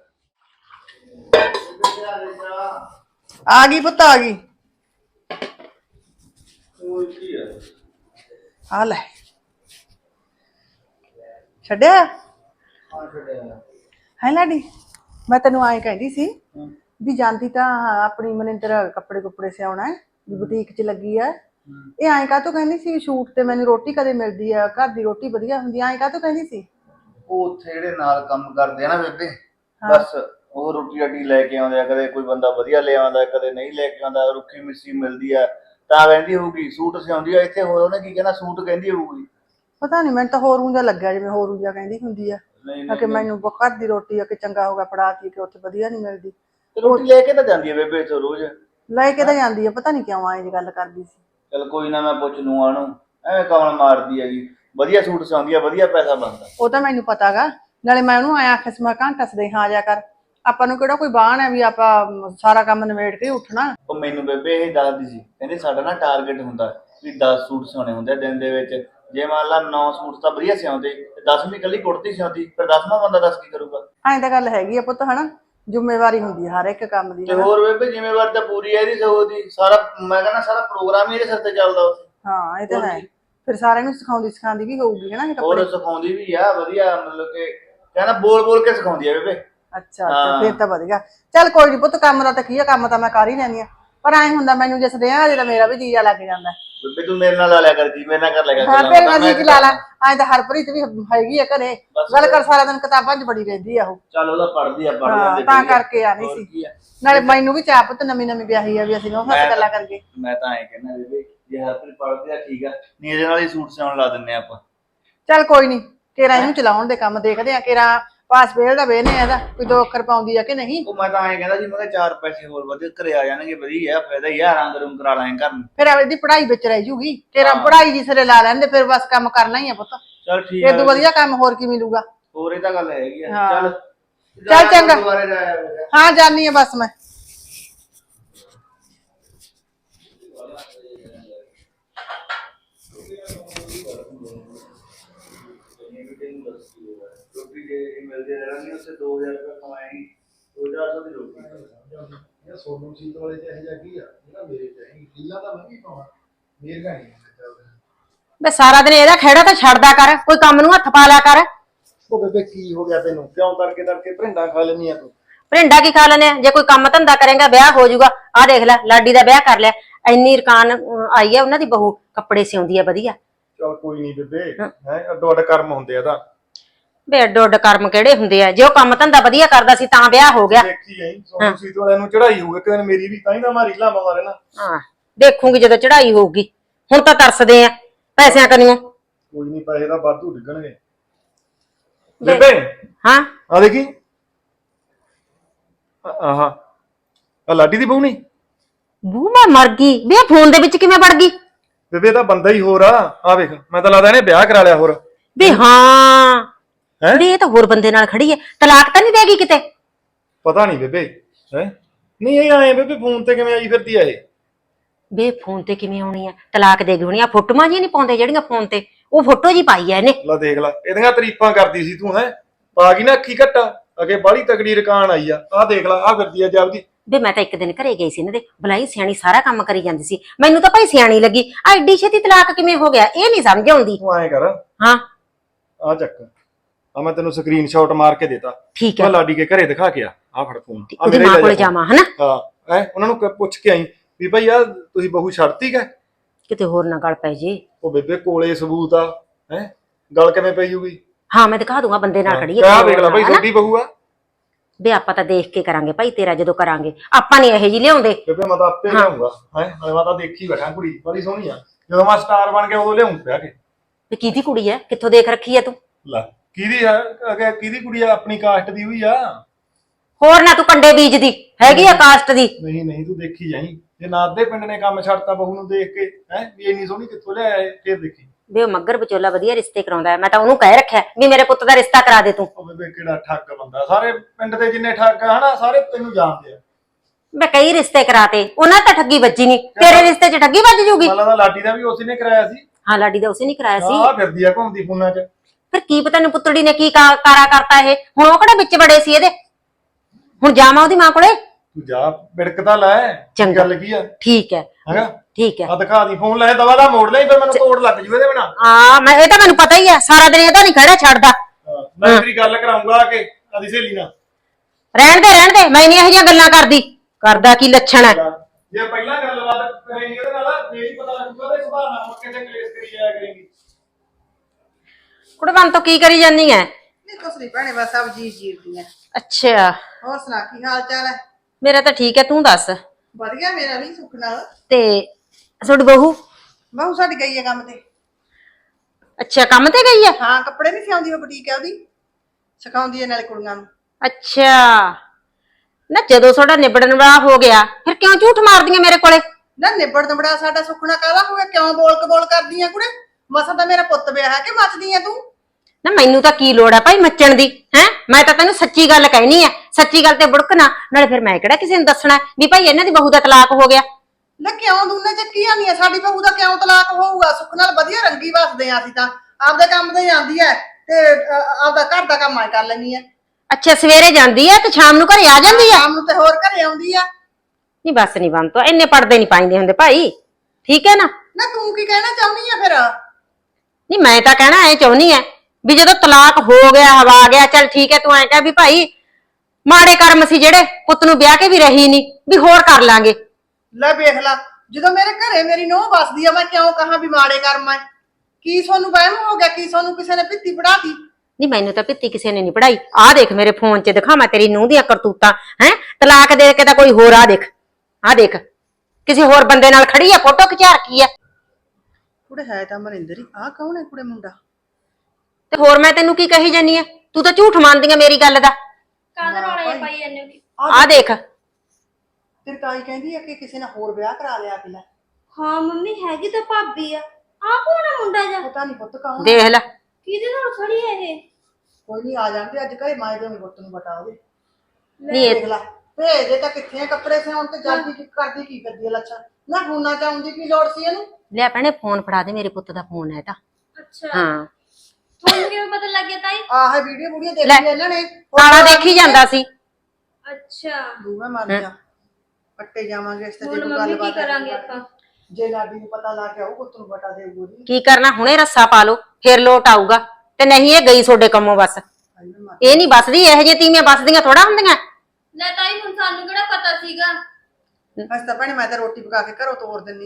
Speaker 2: ਆ ਗਈ ਪੁੱਤ ਆ ਗਈ।
Speaker 3: ਉਹ ਕੀ ਹੈ?
Speaker 2: ਆ ਲੈ ਛੱਡਿਆ
Speaker 3: ਹਾਂ ਛੱਡਿਆ।
Speaker 2: ਹੈ ਲਾਡੀ, ਮੈਂ ਤੈਨੂੰ ਐਂ ਕਹਿੰਦੀ ਸੀ ਵੀ ਜਾਂਦੀ ਤਾਂ ਆਪਣੀ ਮਨਿੰਦਰ ਕੱਪੜੇ ਕੁੱਪੜੇ ਸਿਆਉਣਾ ਹੈ ਵੀ ਬੁਟੀਕ 'ਚ ਲੱਗੀ ਆ। ਇਹ ਐਂ ਕਾਹਤੋਂ ਕਹਿੰਦੀ ਸੀ ਸ਼ੂਟ ਤੇ ਮੈਨੂੰ ਰੋਟੀ ਕਦੇ ਮਿਲਦੀ ਆ, ਘਰ ਦੀ ਰੋਟੀ ਵਧੀਆ ਹੁੰਦੀ ਆ, ਐਂ ਕਾਹਤੋਂ ਕਹਿੰਦੀ ਸੀ?
Speaker 3: ਉਹ ਉੱਥੇ ਜਿਹੜੇ ਨਾਲ ਕੰਮ ਕਰਦੇ ਆ ਨਾ ਬੇਬੇ, ਬਸ ਉਹ ਰੋਟੀ ਰਾਟੀ ਲੈ ਕੇ ਆਉਂਦੇ ਆ। ਕਦੇ ਕੋਈ ਬੰਦਾ ਵਧੀਆ ਲੈ ਆਉਂਦਾ, ਕਦੇ ਨਹੀਂ ਲੈ ਕੇ ਆਉਂਦਾ, ਰੁੱਖੀ ਮਿੱਸੀ ਮਿਲਦੀ ਆ ਤਾਂ ਕਹਿੰਦੀ ਹੋਊਗੀ ਸੂਟ ਸਿਆਉਂਦੀ ਆ ਇੱਥੇ। ਹੋਰ ਉਹਨੇ ਕੀ ਕਹਿਣਾ, ਸੂਟ ਕਹਿੰਦੀ ਹੋਊਗੀ।
Speaker 2: ਪਤਾ ਨਹੀਂ, ਮੈਨੂੰ ਤਾਂ ਹੋਰ ਉਂਝਾ ਲੱਗਿਆ ਜਿਵੇਂ ਹੋਰ ਉਂਝਾ ਕਹਿੰਦੀ ਹੁੰਦੀ ਆ
Speaker 3: ਨਹੀਂ
Speaker 2: ਕਿ ਮੈਨੂੰ ਘਰ ਦੀ ਰੋਟੀ ਆ ਕਿ ਚੰਗਾ ਹੋਗਾ ਫੜਾਤੀ ਕਿ ਉੱਥੇ ਵਧੀਆ ਨਹੀਂ ਮਿਲਦੀ।
Speaker 3: ਰੋਟੀ ਲੈ ਕੇ ਤਾਂ ਜਾਂਦੀ ਆ ਬੇਬੇ ਇੱਥੋਂ ਰੋਜ਼।
Speaker 2: ਲੈ ਕੇ ਤਾਂ ਜਾਂਦੀ ਆ, ਪਤਾ ਨਹੀਂ ਕਿਉਂ ਐਂ ਜੀ ਗੱਲ ਕਰਦੀ ਸੀ।
Speaker 3: ਚਲ ਕੋਈ ਨਾ, ਮੈਂ ਪੁੱਛ ਲੂੰਗਾ ਉਹਨੂੰ। ਐਵੇਂ ਕਮਲ ਮਾਰਦੀ ਹੈਗੀ, ਵਧੀਆ ਸੂਟ ਸਿਆਉਂਦੀ ਆ, ਵਧੀਆ ਪੈਸਾ ਬਣਦਾ।
Speaker 2: ਉਹ ਤਾਂ ਮੈਨੂੰ ਪਤਾ ਗਾ, ਨਾਲੇ ਮੈਂ ਉਹਨੂੰ ਆਇਆ ਆਖਿਆ ਸੀ ਮੈਂ ਘੰਟਾ ਸਦੇ ਹਾਂ ਜਾ ਕਰ, ਆਪਾਂ ਨੂੰ ਕਿਹੜਾ ਕੋਈ ਬਾਹਨ ਹੈ ਵੀ ਆਪਾਂ ਸਾਰਾ ਕੰਮ ਨਿਬੇੜ ਕੇ ਉੱਠਣਾ।
Speaker 3: ਉਹ ਮੈਨੂੰ ਬੇਬੇ ਇਹ ਦੱਸਦੀ ਸੀ, ਕਹਿੰਦੀ ਸਾਡਾ ਨਾ ਟਾਰਗੇਟ ਹੁੰਦਾ ਵੀ 10 ਸੂਟ ਸਿਆਉਣੇ ਹੁੰਦੇ ਆ ਦਿਨ ਦੇ ਵਿੱਚ। ਜੇ ਮੰਨ ਲਾ 9 ਸੂਟ ਤਾਂ ਵਧੀਆ ਸਿਆਉਂਦੇ ਤੇ 10ਵੀਂ ਇਕੱਲੀ ਕੁੜਤੀ ਸਿਆਉਂਦੀ, ਫਿਰ 10ਵਾਂ ਬੰਦਾ ਦੱਸ ਕੀ ਕਰੂਗਾ?
Speaker 2: ਐਂ ਤਾਂ ਗੱਲ ਹੈਗੀ ਆ ਪੁੱਤ, ਹਨਾ ਜ਼ਿੰਮੇਵਾਰੀ ਹੁੰਦੀ ਹੈ ਹਰ ਇੱਕ ਕੰਮ ਦੀ।
Speaker 3: ਤੇ ਹੋਰ ਬੇਬੇ ਜ਼ਿੰਮੇਵਾਰੀ ਤਾਂ ਪੂਰੀ ਹੈ ਇਹਦੀ ਸਗੋਂ ਦੀ। ਸਾਰਾ ਮੈਂ ਕਹਿੰਦਾ ਸਾਰਾ ਪ੍ਰੋਗਰਾਮ ਹੀ ਇਹਦੇ ਸਿਰ ਤੇ ਚੱਲਦਾ ਉੱਥੇ।
Speaker 2: ਹਾਂ ਇਹ ਤਾਂ ਹੈ, ਫਿਰ ਸਾਰਿਆਂ ਨੂੰ ਸਿਖਾਉਂਦੀ ਵੀ ਹੋਊਗੀ ਹਨਾ ਇਹ
Speaker 3: ਹੋਰ
Speaker 2: ਕੱਪੜੇ।
Speaker 3: ਸਿਖਾਉਂਦੀ ਵੀ ਆ ਵਧੀਆ, ਮਤਲਬ ਕਿ ਕਹਿੰਦਾ ਬੋਲ ਕੇ ਸਿਖਾਉਂਦੀ ਆ ਬੇਬੇ।
Speaker 2: ਅੱਛਾ ਅੱਛਾ, ਫਿਰ ਤਾਂ ਵਧੀਆ। ਚੱਲ ਕੋਈ ਨੀ ਪੁੱਤ, ਕੰਮ ਦਾ ਤਾਂ ਕੀ ਆ, ਕੰਮ ਤਾਂ ਮੈਂ ਕਰ ਹੀ ਲੈਂਦੀ ਆ, ਪਰ ਐਂ ਹੁੰਦਾ ਮੈਨੂੰ ਜਿਸ ਦੇ ਆ ਜਿਹੜਾ ਮੇਰਾ ਵੀ ਜੀਆ ਲੱਗ ਜਾਂਦਾ।
Speaker 3: ਬੇਬੇ ਤੂੰ ਮੇਰੇ ਨਾਲ ਲਾ ਲਿਆ ਕਰ ਜੀ, ਮੇਰੇ ਨਾਲ ਕਰ ਲਿਆ
Speaker 2: ਹਾਂ
Speaker 3: ਕਰ।
Speaker 2: ਫਿਰ ਮੈਂ ਜੀ ਲਾ ਲਾ, ਐਂ ਤਾਂ ਹਰਪ੍ਰੀਤ ਵੀ ਹੈਗੀ ਆ ਘਰੇ, ਗੱਲ ਕਰ ਸਾਰਾ ਦਿਨ ਕਿਤਾਬਾਂ 'ਚ ਬੜੀ ਰਹਿੰਦੀ ਆ ਉਹ।
Speaker 3: ਚੱਲ ਉਹਦਾ ਪੜ੍ਹਦੀ ਆ, ਪੜ੍ਹ ਜਾਂਦੇ
Speaker 2: ਤਾਂ ਕਰਕੇ ਆ ਨਹੀਂ ਸੀ। ਨਾਲੇ ਮੈਨੂੰ ਵੀ ਚਾਹ ਪੁੱਤ, ਨਵੀਂ ਵਿਆਹੀ ਆ ਵੀ ਅਸੀਂ ਉਹ ਹੱਥ ਗੱਲਾਂ ਕਰਕੇ।
Speaker 3: ਮੈਂ ਤਾਂ ਐਂ ਕਹਿੰਦਾ ਬੇਬੇ ਜੇ ਹਰਪ੍ਰੀਤ ਪੜ੍ਹਦੀ ਆ ਠੀਕ ਆ, ਨਹੀਂ ਇਹਦੇ ਨਾਲ ਹੀ ਸੂਟ ਸਿਆਉਣ ਲਾ ਦਿੰਨੇ ਆਪਾਂ।
Speaker 2: ਚੱਲ ਕੋਈ ਨੀ, ਕੇਰਾ ਇਹਨੂੰ ਚਲਾਉਣ ਦੇ ਕੰਮ ਦੇਖਦੇ ਆ, ਕੇਰਾ ਪਾਸ ਫੇਲ ਦਾ ਵੇਨੇ ਇਹਦਾ ਕੋਈ 2 ਅੱਖਰ ਪਾਉਂਦੀ ਆ ਕਿ ਨਹੀਂ।
Speaker 3: ਉਹ ਮੈਂ ਤਾਂ ਐਂ ਕਹਿੰਦਾ ਜੀ, ਮੈਂ ਕਿਹਾ 4 ਪੈਸੇ ਹੋਰ ਵਧੇ ਘਰੇ ਆ ਜਾਣਗੇ, ਵਧੀਆ ਫਾਇਦਾ ਹੀ ਆ, ਰੰਗ ਰੂੰਗ ਕਰਾ ਲਾਂਗੇ ਘਰ ਨੂੰ।
Speaker 2: ਫਿਰ ਇਹਦੀ ਪੜ੍ਹਾਈ ਵਿੱਚ ਰਹਿ ਜੂਗੀ, ਤੇਰਾ ਪੜ੍ਹਾਈ ਦੀ ਸਿਰੇ ਲਾ ਲੈਂਦੇ, ਫਿਰ ਬਸ ਕੰਮ ਕਰਨਾ ਹੀ ਆ ਪੁੱਤ।
Speaker 3: ਚੱਲ ਠੀਕ
Speaker 2: ਇਹ ਤੋਂ ਵਧੀਆ ਕੰਮ ਹੋਰ ਕੀ ਮਿਲੂਗਾ?
Speaker 3: ਹੋਰ ਇਹ ਤਾਂ ਗੱਲ ਹੈਗੀ ਆ।
Speaker 2: ਚੱਲ
Speaker 3: ਚੱਲ
Speaker 2: ਚੰਗਾ,
Speaker 3: ਦੁਬਾਰੇ ਜਾਇਆ ਹੋਇਆ।
Speaker 2: ਹਾਂ ਜਾਨੀ ਆ ਬਸ ਮੈਂ।
Speaker 3: ਰੋਟੀ ਜੇ ਮਿਲਦੇ ਰਹਿਣਗੇ ਉੱਥੇ 2000 ਰੁਪਏ ਕਮਾਏਗੀ, 2000 ਦੀ ਰੋਟੀ।
Speaker 4: ਇਹ ਸੋਨੂ ਸੀਤ ਵਾਲੇ ਚ ਇਹ ਜਿਹਾ ਕੀ ਆ ਜਿਹੜਾ ਮੇਰੇ ਚ ਹੈ ਢੀਲਾ ਤਾਂ ਮੈਂ ਵੀ ਪਾਵਾਂ, ਮੇਰ ਗਾਣੀ ਚੱਲਦਾ।
Speaker 5: ਬੇ ਸਾਰਾ ਦਿਨ ਇਹਦਾ ਖੇੜਾ ਤਾਂ ਛੱਡਦਾ ਕਰ, ਕੋਈ ਕੰਮ ਨੂੰ ਹੱਥ ਪਾ ਲਿਆ ਕਰ।
Speaker 4: ਉਹ ਬੇਬੇ ਕੀ ਹੋ ਗਿਆ ਤੈਨੂੰ, ਕਿਉਂ ਤੜਕੇ ਭਰਿੰਡਾ ਖਾ ਲੈਣੀ ਆ ਤੂੰ?
Speaker 5: ਭਰਿੰਡਾ ਕੀ ਖਾ ਲੈਨੇ ਆ? ਜੇ ਕੋਈ ਕੰਮ ਧੰਦਾ ਕਰੇਗਾ ਵਿਆਹ ਹੋ ਜਾਊਗਾ। ਆਹ ਦੇਖ ਲੈ ਲਾਡੀ ਦਾ ਵਿਆਹ ਕਰ ਲਿਆ, ਇੰਨੀ ਰਕਾਨ ਆਈ ਆ ਉਹਨਾਂ ਦੀ ਬਹੂ, ਕੱਪੜੇ ਸਿਉਂਦੀ ਆ ਵਧੀਆ।
Speaker 4: ਚਲ ਕੋਈ ਨਹੀਂ ਬੇਬੇ, ਹੈ ਅੱਡੋ ਅੱਡ ਕਰਮ ਹੁੰਦੇ ਆ ਤਾਂ।
Speaker 5: ਬੇ ਅੱਡੋ ਅੱਡ ਕਰਮ ਕਿਹੜੇ ਹੁੰਦੇ ਆ, ਜੇ ਉਹ ਕੰਮ ਧੰਦਾ ਵਧੀਆ ਕਰਦਾ ਸੀ ਤਾਂ ਵਿਆਹ ਹੋ ਗਿਆ।
Speaker 4: ਦੇਖੀ ਜਾਈ ਸੋਨੂੰ ਸੀਤ ਵਾਲਿਆਂ ਨੂੰ ਚੜਾਈ ਹੋਊਗੀ ਇੱਕ ਦਿਨ ਮੇਰੀ ਵੀ, ਤਾਂ ਹੀ ਤਾਂ ਮਾਰੀ ਲਾਵਾਂ ਮਾਰੇ ਨਾ।
Speaker 5: ਹਾਂ ਦੇਖੂਗੀ ਜਦੋਂ ਚੜਾਈ ਹੋਊਗੀ, ਹੁਣ ਤਾਂ ਤਰਸਦੇ ਆ ਪੈਸਿਆਂ ਕਨੀਓ।
Speaker 4: ਕੋਈ ਨਹੀਂ, ਪੈਸੇ ਤਾਂ ਵਾਧੂ ਡਿੱਗਣਗੇ। ਬੇਬੇ
Speaker 5: ਹਾਂ
Speaker 4: ਆ ਦੇਖੀ, ਆਹ ਆ ਲਾਡੀ ਦੀ ਬਹੂ ਨਹੀਂ?
Speaker 5: ਬੂ ਮੈਂ ਮਰ ਗਈ ਬੇ, ਫੋਨ ਦੇ ਵਿੱਚ ਕਿਵੇਂ ਵੜ ਗਈ?
Speaker 4: ਬੇਬੇ ਤਾਂ ਬੰਦਾ ਹੀ ਹੋਰ ਆ ਵੇਖ, ਮੈਂ ਤਾਂ ਲੱਗਦਾ ਇਹਨੇ ਵਿਆਹ ਕਰਾ ਲਿਆ ਹੋਰ।
Speaker 5: ਬੇ ਹਾਂ
Speaker 4: ਹੈਂ?
Speaker 5: ਬੇ ਇਹ ਤਾਂ ਹੋਰ ਬੰਦੇ ਨਾਲ ਖੜੀ ਹੈ, ਤਲਾਕ ਤਾਂ ਨਹੀਂ ਦੇਗੀ ਕਿਤੇ?
Speaker 4: ਪਤਾ ਨਹੀਂ ਬੇਬੇ, ਹੈ ਨਹੀਂ ਇਹ ਆਏ ਬੇਬੇ ਫੋਨ ਤੇ ਕਿਵੇਂ ਆਈ ਫਿਰਦੀ ਆ ਇਹ?
Speaker 5: ਬੇ ਫੋਨ ਤੇ ਕਿਵੇਂ ਆਉਣੀ ਆ, ਤਲਾਕ ਦੇ ਗਈ ਹੋਣੀ ਆ। ਫੋਟੋਆਂ ਜੀ ਨਹੀਂ ਪਾਉਂਦੇ ਜਿਹੜੀਆਂ ਫੋਨ ਤੇ, ਉਹ ਫੋਟੋ ਜੀ ਪਾਈ ਆ ਇਹਨੇ।
Speaker 4: ਲੈ ਦੇਖ ਲੈ, ਇਹਦੀਆਂ ਤਾਰੀਫਾਂ ਕਰਦੀ ਸੀ ਤੂੰ, ਹੈ ਪਾ ਗਈ ਨਾ ਅੱਖੀ ਘੱਟਾ, ਅਗੇ ਬਾਹਲੀ ਤਗੜੀ ਰਕਾਨ ਆਈ ਆ ਦੇਖ ਲੈ, ਆ ਫਿਰਦੀ ਆ ਜਾਪਦੀ।
Speaker 5: ਬੇ ਮੈਂ ਤਾਂ ਇੱਕ ਦਿਨ ਘਰੇ ਗਈ ਸੀ ਇਹਨਾਂ ਦੇ, ਬਲਾਈ ਸਿਆਣੀ ਸਾਰਾ ਕੰਮ ਕਰੀ ਜਾਂਦੀ ਸੀ, ਮੈਨੂੰ ਤਾਂ ਭਾਈ ਸਿਆਣੀ ਲੱਗੀ। ਆ ਐਡੀ ਛੇਤੀ ਤਲਾਕ ਕਿਵੇਂ ਹੋ ਗਿਆ, ਇਹ ਨਹੀਂ ਸਮਝ ਆਉਂਦੀ।
Speaker 4: ਤੂੰ ਐਂ ਕਰ,
Speaker 5: ਹਾਂ
Speaker 4: ਆ ਚੱਕ, ਆ ਮੈਂ ਤੈਨੂੰ ਸਕਰੀਨਸ਼ਾਟ ਮਾਰ ਕੇ ਦੇਤਾ।
Speaker 5: ਠੀਕ
Speaker 4: ਮੈਂ
Speaker 5: ਹੈ,
Speaker 4: ਲਾਡੀ ਕੇ ਘਰੇ ਦਿਖਾ ਕੇ ਆ ਫੜ ਫੋਨ, ਆ
Speaker 5: ਉਹਦੀ
Speaker 4: ਮੇਰੇ
Speaker 5: ਮਾਂ
Speaker 4: ਲੈ
Speaker 5: ਕੋਲੇ
Speaker 4: ਜਾ
Speaker 5: ਜਾਵਾਂ ਹਨਾ।
Speaker 4: ਹਾਂ ਉਹਨਾਂ ਨੂੰ ਪੁੱਛ ਕੇ ਆਈ ਵੀ ਭਾਈ ਆ ਤੁਸੀਂ ਬਹੂ ਛੱਡਤੀ ਕੈ?
Speaker 5: ਕਿਤੇ ਹੋਰ ਨਾ ਗੱਲ ਪੈ ਜੇ।
Speaker 4: ਉਹ ਬੇਬੇ ਕੋਲੇ ਸਬੂਤ ਆ, ਹੈ ਗੱਲ ਕਿਵੇਂ ਪਈ ਜੂਗੀ?
Speaker 5: ਹਾਂ ਮੈਂ ਦਿਖਾ ਦੂੰਗਾ, ਬੰਦੇ ਨਾਲ ਖੜੀ
Speaker 4: ਕਿਆ ਵੇਖ ਲੈ ਭਾਈ, ਤੁਹਾਡੀ ਬਹੂ ਆ।
Speaker 5: ਬੇ ਆਪਾਂ ਤਾਂ ਦੇਖ ਕੇ ਕਰਾਂਗੇ ਭਾਈ, ਤੇਰਾ ਜਦੋਂ ਕਰਾਂਗੇ ਆਪਾਂ ਨਹੀਂ ਇਹੋ ਜੀ ਲਿਆਉਂਦੇ।
Speaker 4: ਬੇਬੇ ਮੈਂ ਤਾਂ ਆਪੇ ਲਿਆਉਂਗਾ, ਹੈ ਮੈਂ ਤਾਂ ਦੇਖੀ ਬੈਠਾ, ਕੁੜੀ ਬੜੀ ਸੋਹਣੀ ਆ, ਜਦੋਂ ਮੈਂ ਸਟਾਰ ਬਣ ਕੇ ਉਦੋਂ ਲਿਆਉਂ ਪਿਆ ਕੇ।
Speaker 5: ਵੀ ਕਿਹਦੀ ਕੁੜੀ ਐ, ਕਿੱਥੋਂ ਦੇਖ ਰੱਖੀ ਐ ਤੂੰ?
Speaker 4: ਲੈ ਕਿਹਦੀ ਆ, ਕਿਹਦੀ ਕੁੜੀ ਆ? ਆਪਣੀ ਕਾਸਟ ਦੀ ਹੋਈ ਆ।
Speaker 5: ਹੋਰ ਨਾ ਤੂੰ ਕੰਡੇ ਬੀਜਦੀ ਹੈਗੀ ਆ ਕਾਸਟ ਦੀ।
Speaker 4: ਨਹੀਂ ਤੂੰ ਦੇਖੀ ਜਾਈ, ਜੇ ਨਾ ਅੱਧੇ ਪਿੰਡ ਨੇ ਕੰਮ ਛੱਡਤਾ ਬਹੂ ਨੂੰ ਦੇਖ ਕੇ, ਹੈ ਵੀ ਇੰਨੀ ਸੋਹਣੀ ਕਿੱਥੋਂ ਲਿਆਇਆ ਇਹ, ਫੇਰ ਦੇਖੀ।
Speaker 5: ਵੀ ਉਹ ਮੱਗਰ ਵਿਚੋਲਾ ਵਧੀਆ ਰਿਸ਼ਤੇ ਕਰਾਉਂਦਾ ਹੈ, ਮੈਂ ਤਾਂ ਉਹਨੂੰ ਕਹਿ ਰੱਖਿਆ ਵੀ ਮੇਰੇ ਪੁੱਤ ਦਾ ਰਿਸ਼ਤਾ ਕਰਾ ਦੇ ਤੂੰ।
Speaker 4: ਉਹ ਬੇਬੇ ਕਿਹੜਾ ਠੱਗ ਬੰਦਾ, ਸਾਰੇ ਪਿੰਡ ਦੇ ਜਿੰਨੇ ਠੱਗ ਆ ਹਨਾ, ਸਾਰੇ ਤੈਨੂੰ ਜਾਣਦੇ ਆ।
Speaker 5: ਮੈਂ ਕਈ ਰਿਸ਼ਤੇ ਕਰਾਤੇ, ਉਹਨਾਂ ਤਾਂ ਠੱਗੀ ਵੱਜੀ ਨਹੀਂ, ਤੇਰੇ ਰਿਸ਼ਤੇ 'ਚ ਠੱਗੀ ਵੱਜ ਜੂਗੀ।
Speaker 4: ਮਾਲਾ ਦਾ ਲਾਡੀ ਦਾ ਵੀ ਉਸੇ ਨੇ ਕਰਾਇਆ ਸੀ।
Speaker 5: ਹਾਂ ਲਾਡੀ ਦਾ ਉਸੇ ਨਹੀਂ ਕਰਾਇਆ ਸੀ।
Speaker 4: ਆ ਫਿਰਦੀ ਆ ਘੁੰਮਦੀ ਫੋਨਾਂ 'ਚ।
Speaker 5: ਫਿਰ ਕੀ ਪਤਾ ਨੂੰ ਪੁੱਤੜੀ ਨੇ ਕੀ ਕਾਰਾ ਕਰਤਾ ਇਹ, ਹੁਣ ਉਹ ਕਿਹੜਾ ਵਿੱਚ ਵੜੇ ਸੀ ਇਹਦੇ। ਹੁਣ ਜਾਵਾਂ ਉਹਦੀ ਮਾਂ ਕੋਲੇ?
Speaker 4: ਤੂੰ ਜਾ ਬਿੜਕਦਾ ਲੈ,
Speaker 5: ਚੰਗਾ।
Speaker 4: ਗੱਲ ਕੀ ਆ?
Speaker 5: ਠੀਕ ਹੈ
Speaker 4: ਹੈਗਾ
Speaker 5: ਠੀਕ ਹੈ।
Speaker 4: ਆ ਦਿਖਾ ਦੀ ਫੋਨ, ਲੈ ਦਵਾ ਦਾ ਮੋੜ ਲਈ, ਫਿਰ ਮੈਨੂੰ ਤੋੜ ਲੱਗ ਜੂ ਇਹਦੇ ਬਿਨਾ।
Speaker 5: ਹਾਂ ਮੈਂ ਇਹ ਤਾਂ ਮੈਨੂੰ ਪਤਾ ਹੀ ਆ, ਸਾਰਾ ਦਿਨ ਇਹਦਾ ਨਹੀਂ ਖੜਾ ਛੱਡਦਾ।
Speaker 4: ਮੈਂ ਤੇਰੀ ਗੱਲ ਕਰਾਉਂਗਾ ਆ ਕੇ ਆਦੀ ਸਹੇਲੀ ਨਾਲ।
Speaker 5: ਰਹਿਣ ਦੇ ਮੈਂ ਨਹੀਂ ਇਹੋ ਜਿਹੀਆਂ ਗੱਲਾਂ ਕਰਦੀ, ਕਰਦਾ ਕੀ ਲੱਛਣ ਹੈ।
Speaker 4: ਜੇ ਪਹਿਲਾਂ ਗੱਲਬਾਤ ਕਰੇਂਗੇ ਉਹਦੇ ਨਾਲ, ਫੇਰ ਹੀ ਪਤਾ ਲੱਗੂਗਾ ਉਹਦੇ ਸੁਭਾਅ ਨਾਲ, ਮੁੜ ਕੇ ਤੇ ਕਲੇਸ਼ ਕਰੀ ਜਾਇਆ ਕਰੇਂਗੀ।
Speaker 5: ਕੁੜਵਾਂ ਤੋਂ ਕੀ ਕਰੀ ਜਾਂਦੀ ਐ?
Speaker 2: ਨਹੀਂ ਕੁਛ ਨਹੀਂ ਭੈਣੇ, ਬਸ ਸਬਜ਼ੀ ਜੀਰਦੀ ਆ।
Speaker 5: ਅੱਛਾ
Speaker 2: ਹੋਰ ਸੁਣਾ, ਕੀ ਹਾਲ ਚਾਲ ਹੈ?
Speaker 5: ਮੇਰਾ ਤਾਂ ਠੀਕ ਹੈ, ਤੂੰ ਦੱਸ।
Speaker 2: ਵਧੀਆ, ਮੇਰਾ ਵੀ ਸੁੱਖ ਨਾਲ।
Speaker 5: ਤੇ ਤੁਹਾਡੀ ਬਹੂ?
Speaker 2: ਬਹੂ ਸਾਡੀ ਗਈ ਹੈ ਕੰਮ ਤੇ।
Speaker 5: ਅੱਛਾ ਕੰਮ ਤੇ ਗਈ ਹੈ?
Speaker 2: ਹਾਂ ਕੱਪੜੇ ਨਹੀਂ ਸਿਆਉਂਦੀ, ਉਹ ਬੁਟੀਕ ਹੈ ਉਹਦੀ, ਸਿਖਾਉਂਦੀ ਹੈ ਨਾਲੇ ਕੁੜੀਆਂ ਨੂੰ।
Speaker 5: ਅੱਛਾ ਨਾ ਜਦੋਂ ਤੁਹਾਡਾ ਨਿਬੜਨ ਵਾਲਾ ਹੋ ਗਿਆ ਫਿਰ ਕਿਉਂ ਝੂਠ ਮਾਰਦੀਆਂ ਮੇਰੇ ਕੋਲੇ?
Speaker 2: ਨਾ ਨਿਬੜ ਦਬੜਾ ਸਾਡਾ ਸੁੱਖਣਾ ਕਾਹਦਾ ਹੋਇਆ, ਕਿਉਂ ਬੋਲ ਕਰਦੀ ਆ ਕੁੜੇ? ਮਸਾ ਤਾਂ ਮੇਰਾ ਪੁੱਤ ਵਿਆਹ ਹੈ ਕਿ ਮੱਚਦੀ ਆ ਤੂੰ?
Speaker 5: ਨਾ ਮੈਨੂੰ ਤਾਂ ਕੀ ਲੋੜ ਆ ਭਾਈ ਮੱਚਣ ਦੀ, ਹੈ ਮੈਂ ਤਾਂ ਤੈਨੂੰ ਸੱਚੀ ਗੱਲ ਕਹਿਣੀ ਆ, ਸੱਚੀ ਗੱਲ ਤੇ ਬੁੜਕਣਾ। ਨਾਲੇ ਫਿਰ ਮੈਂ ਕਿਹੜਾ ਕਿਸੇ ਨੂੰ ਦੱਸਣਾ ਵੀ ਭਾਈ ਇਹਨਾਂ ਦੀ ਬਹੂ ਦਾ ਤਲਾਕ ਹੋ ਗਿਆ।
Speaker 2: ਲੈ ਕਿਉਂ ਦੋਨੇ ਚੱਕੀਆਂ ਨਹੀਂ, ਸਾਡੀ ਬਹੂ ਦਾ ਕਿਉਂ ਤਲਾਕ ਹੋਊਗਾ? ਸੁੱਖ ਨਾਲ ਵਧੀਆ ਰੰਗੀ ਵਸਦੇ ਆ ਅਸੀਂ ਤਾਂ, ਆਪਦੇ ਕੰਮ ਤੇ ਜਾਂਦੀ ਐ ਤੇ ਆਪਦਾ ਘਰ ਦਾ ਕੰਮ ਆ ਕਰ ਲੈਣੀ ਐ।
Speaker 5: ਅੱਛਾ ਸਵੇਰੇ ਜਾਂਦੀ ਆ ਤੇ ਸ਼ਾਮ ਨੂੰ ਘਰੇ ਆ ਜਾਂਦੀ ਆ?
Speaker 2: ਸ਼ਾਮ ਨੂੰ ਤੇ ਹੋਰ ਘਰੇ ਆਉਂਦੀ ਆ।
Speaker 5: ਨਹੀਂ ਬਸ ਨਹੀਂ ਬੰਦ ਤੋਂ ਇੰਨੇ ਪੜਦੇ ਨਹੀਂ ਪਾਈਂਦੇ ਹੁੰਦੇ ਭਾਈ, ਠੀਕ ਹੈ ਨਾ?
Speaker 2: ਨਾ ਤੂੰ ਕੀ ਕਹਿਣਾ ਚਾਹੁੰਦੀ ਆ ਫਿਰ?
Speaker 5: ਨਹੀਂ ਮੈਂ ਤਾਂ ਕਹਿਣਾ ਐ ਚਾਹੁੰਦੀ ਐ ਵੀ ਜਦੋਂ ਤਲਾਕ ਹੋ ਗਿਆ, ਹਵਾ ਗਿਆ, ਚੱਲ ਠੀਕ ਹੈ, ਤੂੰ ਐਂ ਕਹਿ ਵੀ ਭਾਈ ਮਾੜੇ ਕਰਮ ਸੀ ਜਿਹੜੇ, ਪੁੱਤ ਨੂੰ ਵਿਆਹ ਕੇ ਵੀ ਰਹੀ ਨਹੀਂ, ਵੀ ਹੋਰ ਕਰ ਲਾਂਗੇ।
Speaker 2: ਲੈ ਵੇਖ ਲਾ, ਜਦੋਂ ਮੇਰੇ ਘਰੇ ਮੇਰੀ ਨੂੰਹ ਵਸਦੀ ਆ, ਮੈਂ ਕਿਉਂ ਕਹਾਂ ਵੀ ਮਾੜੇ ਕਰਮ ਐ? ਕੀ ਤੁਹਾਨੂੰ ਵਹਿਮ ਹੋ ਗਿਆ? ਕੀ ਤੁਹਾਨੂੰ ਕਿਸੇ ਨੇ ਭਿੱਤੀ ਪੜਾਤੀ?
Speaker 5: ਨਹੀਂ ਮੈਨੂੰ ਤਾਂ ਭਿੱਤੀ ਕਿਸੇ ਨੇ ਨਹੀਂ ਪੜਾਈ। ਆਹ ਦੇਖ ਮੇਰੇ ਫੋਨ 'ਚ ਦਿਖਾਵਾਂ ਤੇਰੀ ਨੂੰਹ ਦੀਆਂ ਕਰਤੂਤਾਂ, ਹੈ ਤਲਾਕ ਦੇ ਕੇ ਤਾਂ ਕੋਈ ਹੋਰ, ਆਹ ਦੇਖ ਕਿਸੇ ਹੋਰ ਬੰਦੇ ਨਾਲ ਖੜੀ ਆ, ਫੋਟੋ ਖਿਚਾ ਰੱਖੀ ਆ।
Speaker 2: ਕੁੜੇ ਹੈ ਤਾਂ ਮਨਿੰਦਰ ਹੀ, ਆਹ ਕੌਣ ਹੈ ਕੁੜੇ ਮੁੰਡਾ?
Speaker 5: ਤੇ ਹੋਰ ਮੈਂ ਤੈਨੂੰ ਕੀ ਕਹੀ ਜਾਨੀ ਆ, ਤੂੰ ਤਾਂ ਝੂਠ ਮੰਨਦੀ ਆ ਮੇਰੀ ਗੱਲ ਦਾ।
Speaker 6: ਕਾਹਦੇ ਰੌਲੇ ਪਾਈ ਜਾਂਦੇ ਹੋ?
Speaker 5: ਆਹ ਦੇਖ
Speaker 2: ਤੇਰੀ ਤਾਈ ਕਹਿੰਦੀ ਆ ਕਿ ਕਿਸੇ ਨੇ ਹੋਰ ਵਿਆਹ ਕਰਾ ਲਿਆ ਪਹਿਲਾਂ।
Speaker 6: ਹਾਂ ਮੰਮੀ ਹੈਗੀ ਤਾਂ ਭਾਬੀ ਆ। ਆਹ ਕੌਣ ਆ ਮੁੰਡਾ ਜਾ?
Speaker 2: ਪਤਾ ਨਹੀਂ ਪੁੱਤ ਕੌਣ?
Speaker 5: ਦੇਖ ਲੈ।
Speaker 6: ਕਿਹਦੇ ਨਾਲ ਖੜੀ ਹੈ ਇਹ?
Speaker 2: ਕੋਈ ਨਹੀਂ ਆ ਜਾਂਦੇ ਅੱਜ ਘਰੇ, ਮਾਏ ਦੇ ਪੁੱਤ ਨੂੰ ਬਤਾ ਉਹਦੇ।
Speaker 5: ਨਹੀਂ
Speaker 2: ਦੇਖ ਲੈ ਭੇਜਦੇ ਤਾਂ ਕਿੱਥੇ ਆ ਕੱਪੜੇ ਸਿਉਣ ਤੇ, ਜਲਦੀ ਕੀ ਕਰਦੀ, ਕੀ ਕਰਦੀ ਆ ਲੱਛਣ ਨਾ? ਫੋਨਾਂ ਚ ਆਉਂਦੀ ਕੀ ਲੋੜ ਸੀ ਇਹਨੂੰ?
Speaker 5: ਲੈ ਭੈਣੇ ਫੋਨ ਫੜਾ ਦੇ, ਮੇਰੇ ਪੁੱਤ ਦਾ ਫੋਨ ਹੈ ਤਾਂ।
Speaker 6: ਅੱਛਾ
Speaker 5: ਹਾਂ
Speaker 6: ਤੁਹਾਨੂੰ ਕਿਵੇਂ ਪਤਾ ਲੱਗ ਗਿਆ ਤਾਈ?
Speaker 2: ਆਹ ਵੀਡੀਓ ਵੀਡੀਓ ਦੇਖੀ ਇਹਨਾਂ ਨੇ,
Speaker 5: ਤਾਲਾ ਦੇਖੀ ਜਾਂਦਾ ਸੀ।
Speaker 6: ਅੱਛਾ
Speaker 2: ਦੂਗਾ ਮਰ ਜਾ, ਪੱਟੇ ਜਾਵਾਂਗੇ ਇਸ ਤੇ।
Speaker 6: ਹੁਣ
Speaker 2: ਜੇ ਕੋਈ
Speaker 6: ਮੰਮੀ ਕੀ
Speaker 2: ਗੱਲਬਾਤ
Speaker 6: ਕਰਾਂਗੇ ਆਪਾਂ?
Speaker 2: ਜੇ ਲਾਡੀ ਨੂੰ ਪਤਾ ਲੱਗ ਗਿਆ ਉਹ ਪੁੱਤ ਨੂੰ ਬਤਾ ਦੇਊਗੀ ਉਹਦੀ।
Speaker 5: ਕੀ ਕਰਨਾ, ਹੁਣੇ ਰੱਸਾ ਪਾ ਲਓ ਫੇਰ ਲੋਟ ਆਊਗਾ, ਤੇ ਨਹੀਂ ਇਹ ਗਈ ਤੁਹਾਡੇ ਕੰਮੋਂ ਬਸ। ਇਹ ਨਹੀਂ ਬਸਦੀ, ਇਹੋ ਜਿਹੇ ਤੀਵੀਆਂ ਬਸਦੀਆਂ ਥੋੜਾ ਹੁੰਦੀਆਂ।
Speaker 6: ਲੈ ਤਾਈ ਹੁਣ ਸਾਨੂੰ ਕਿਹੜਾ ਪਤਾ ਸੀਗਾ?
Speaker 2: ਅਸੀਂ ਤਾਂ ਭੈਣੇ ਮੈਂ ਤਾਂ ਰੋਟੀ ਪਕਾ ਕੇ ਘਰੋਂ ਤੋਰ ਦਿੰਨੀ ਆ,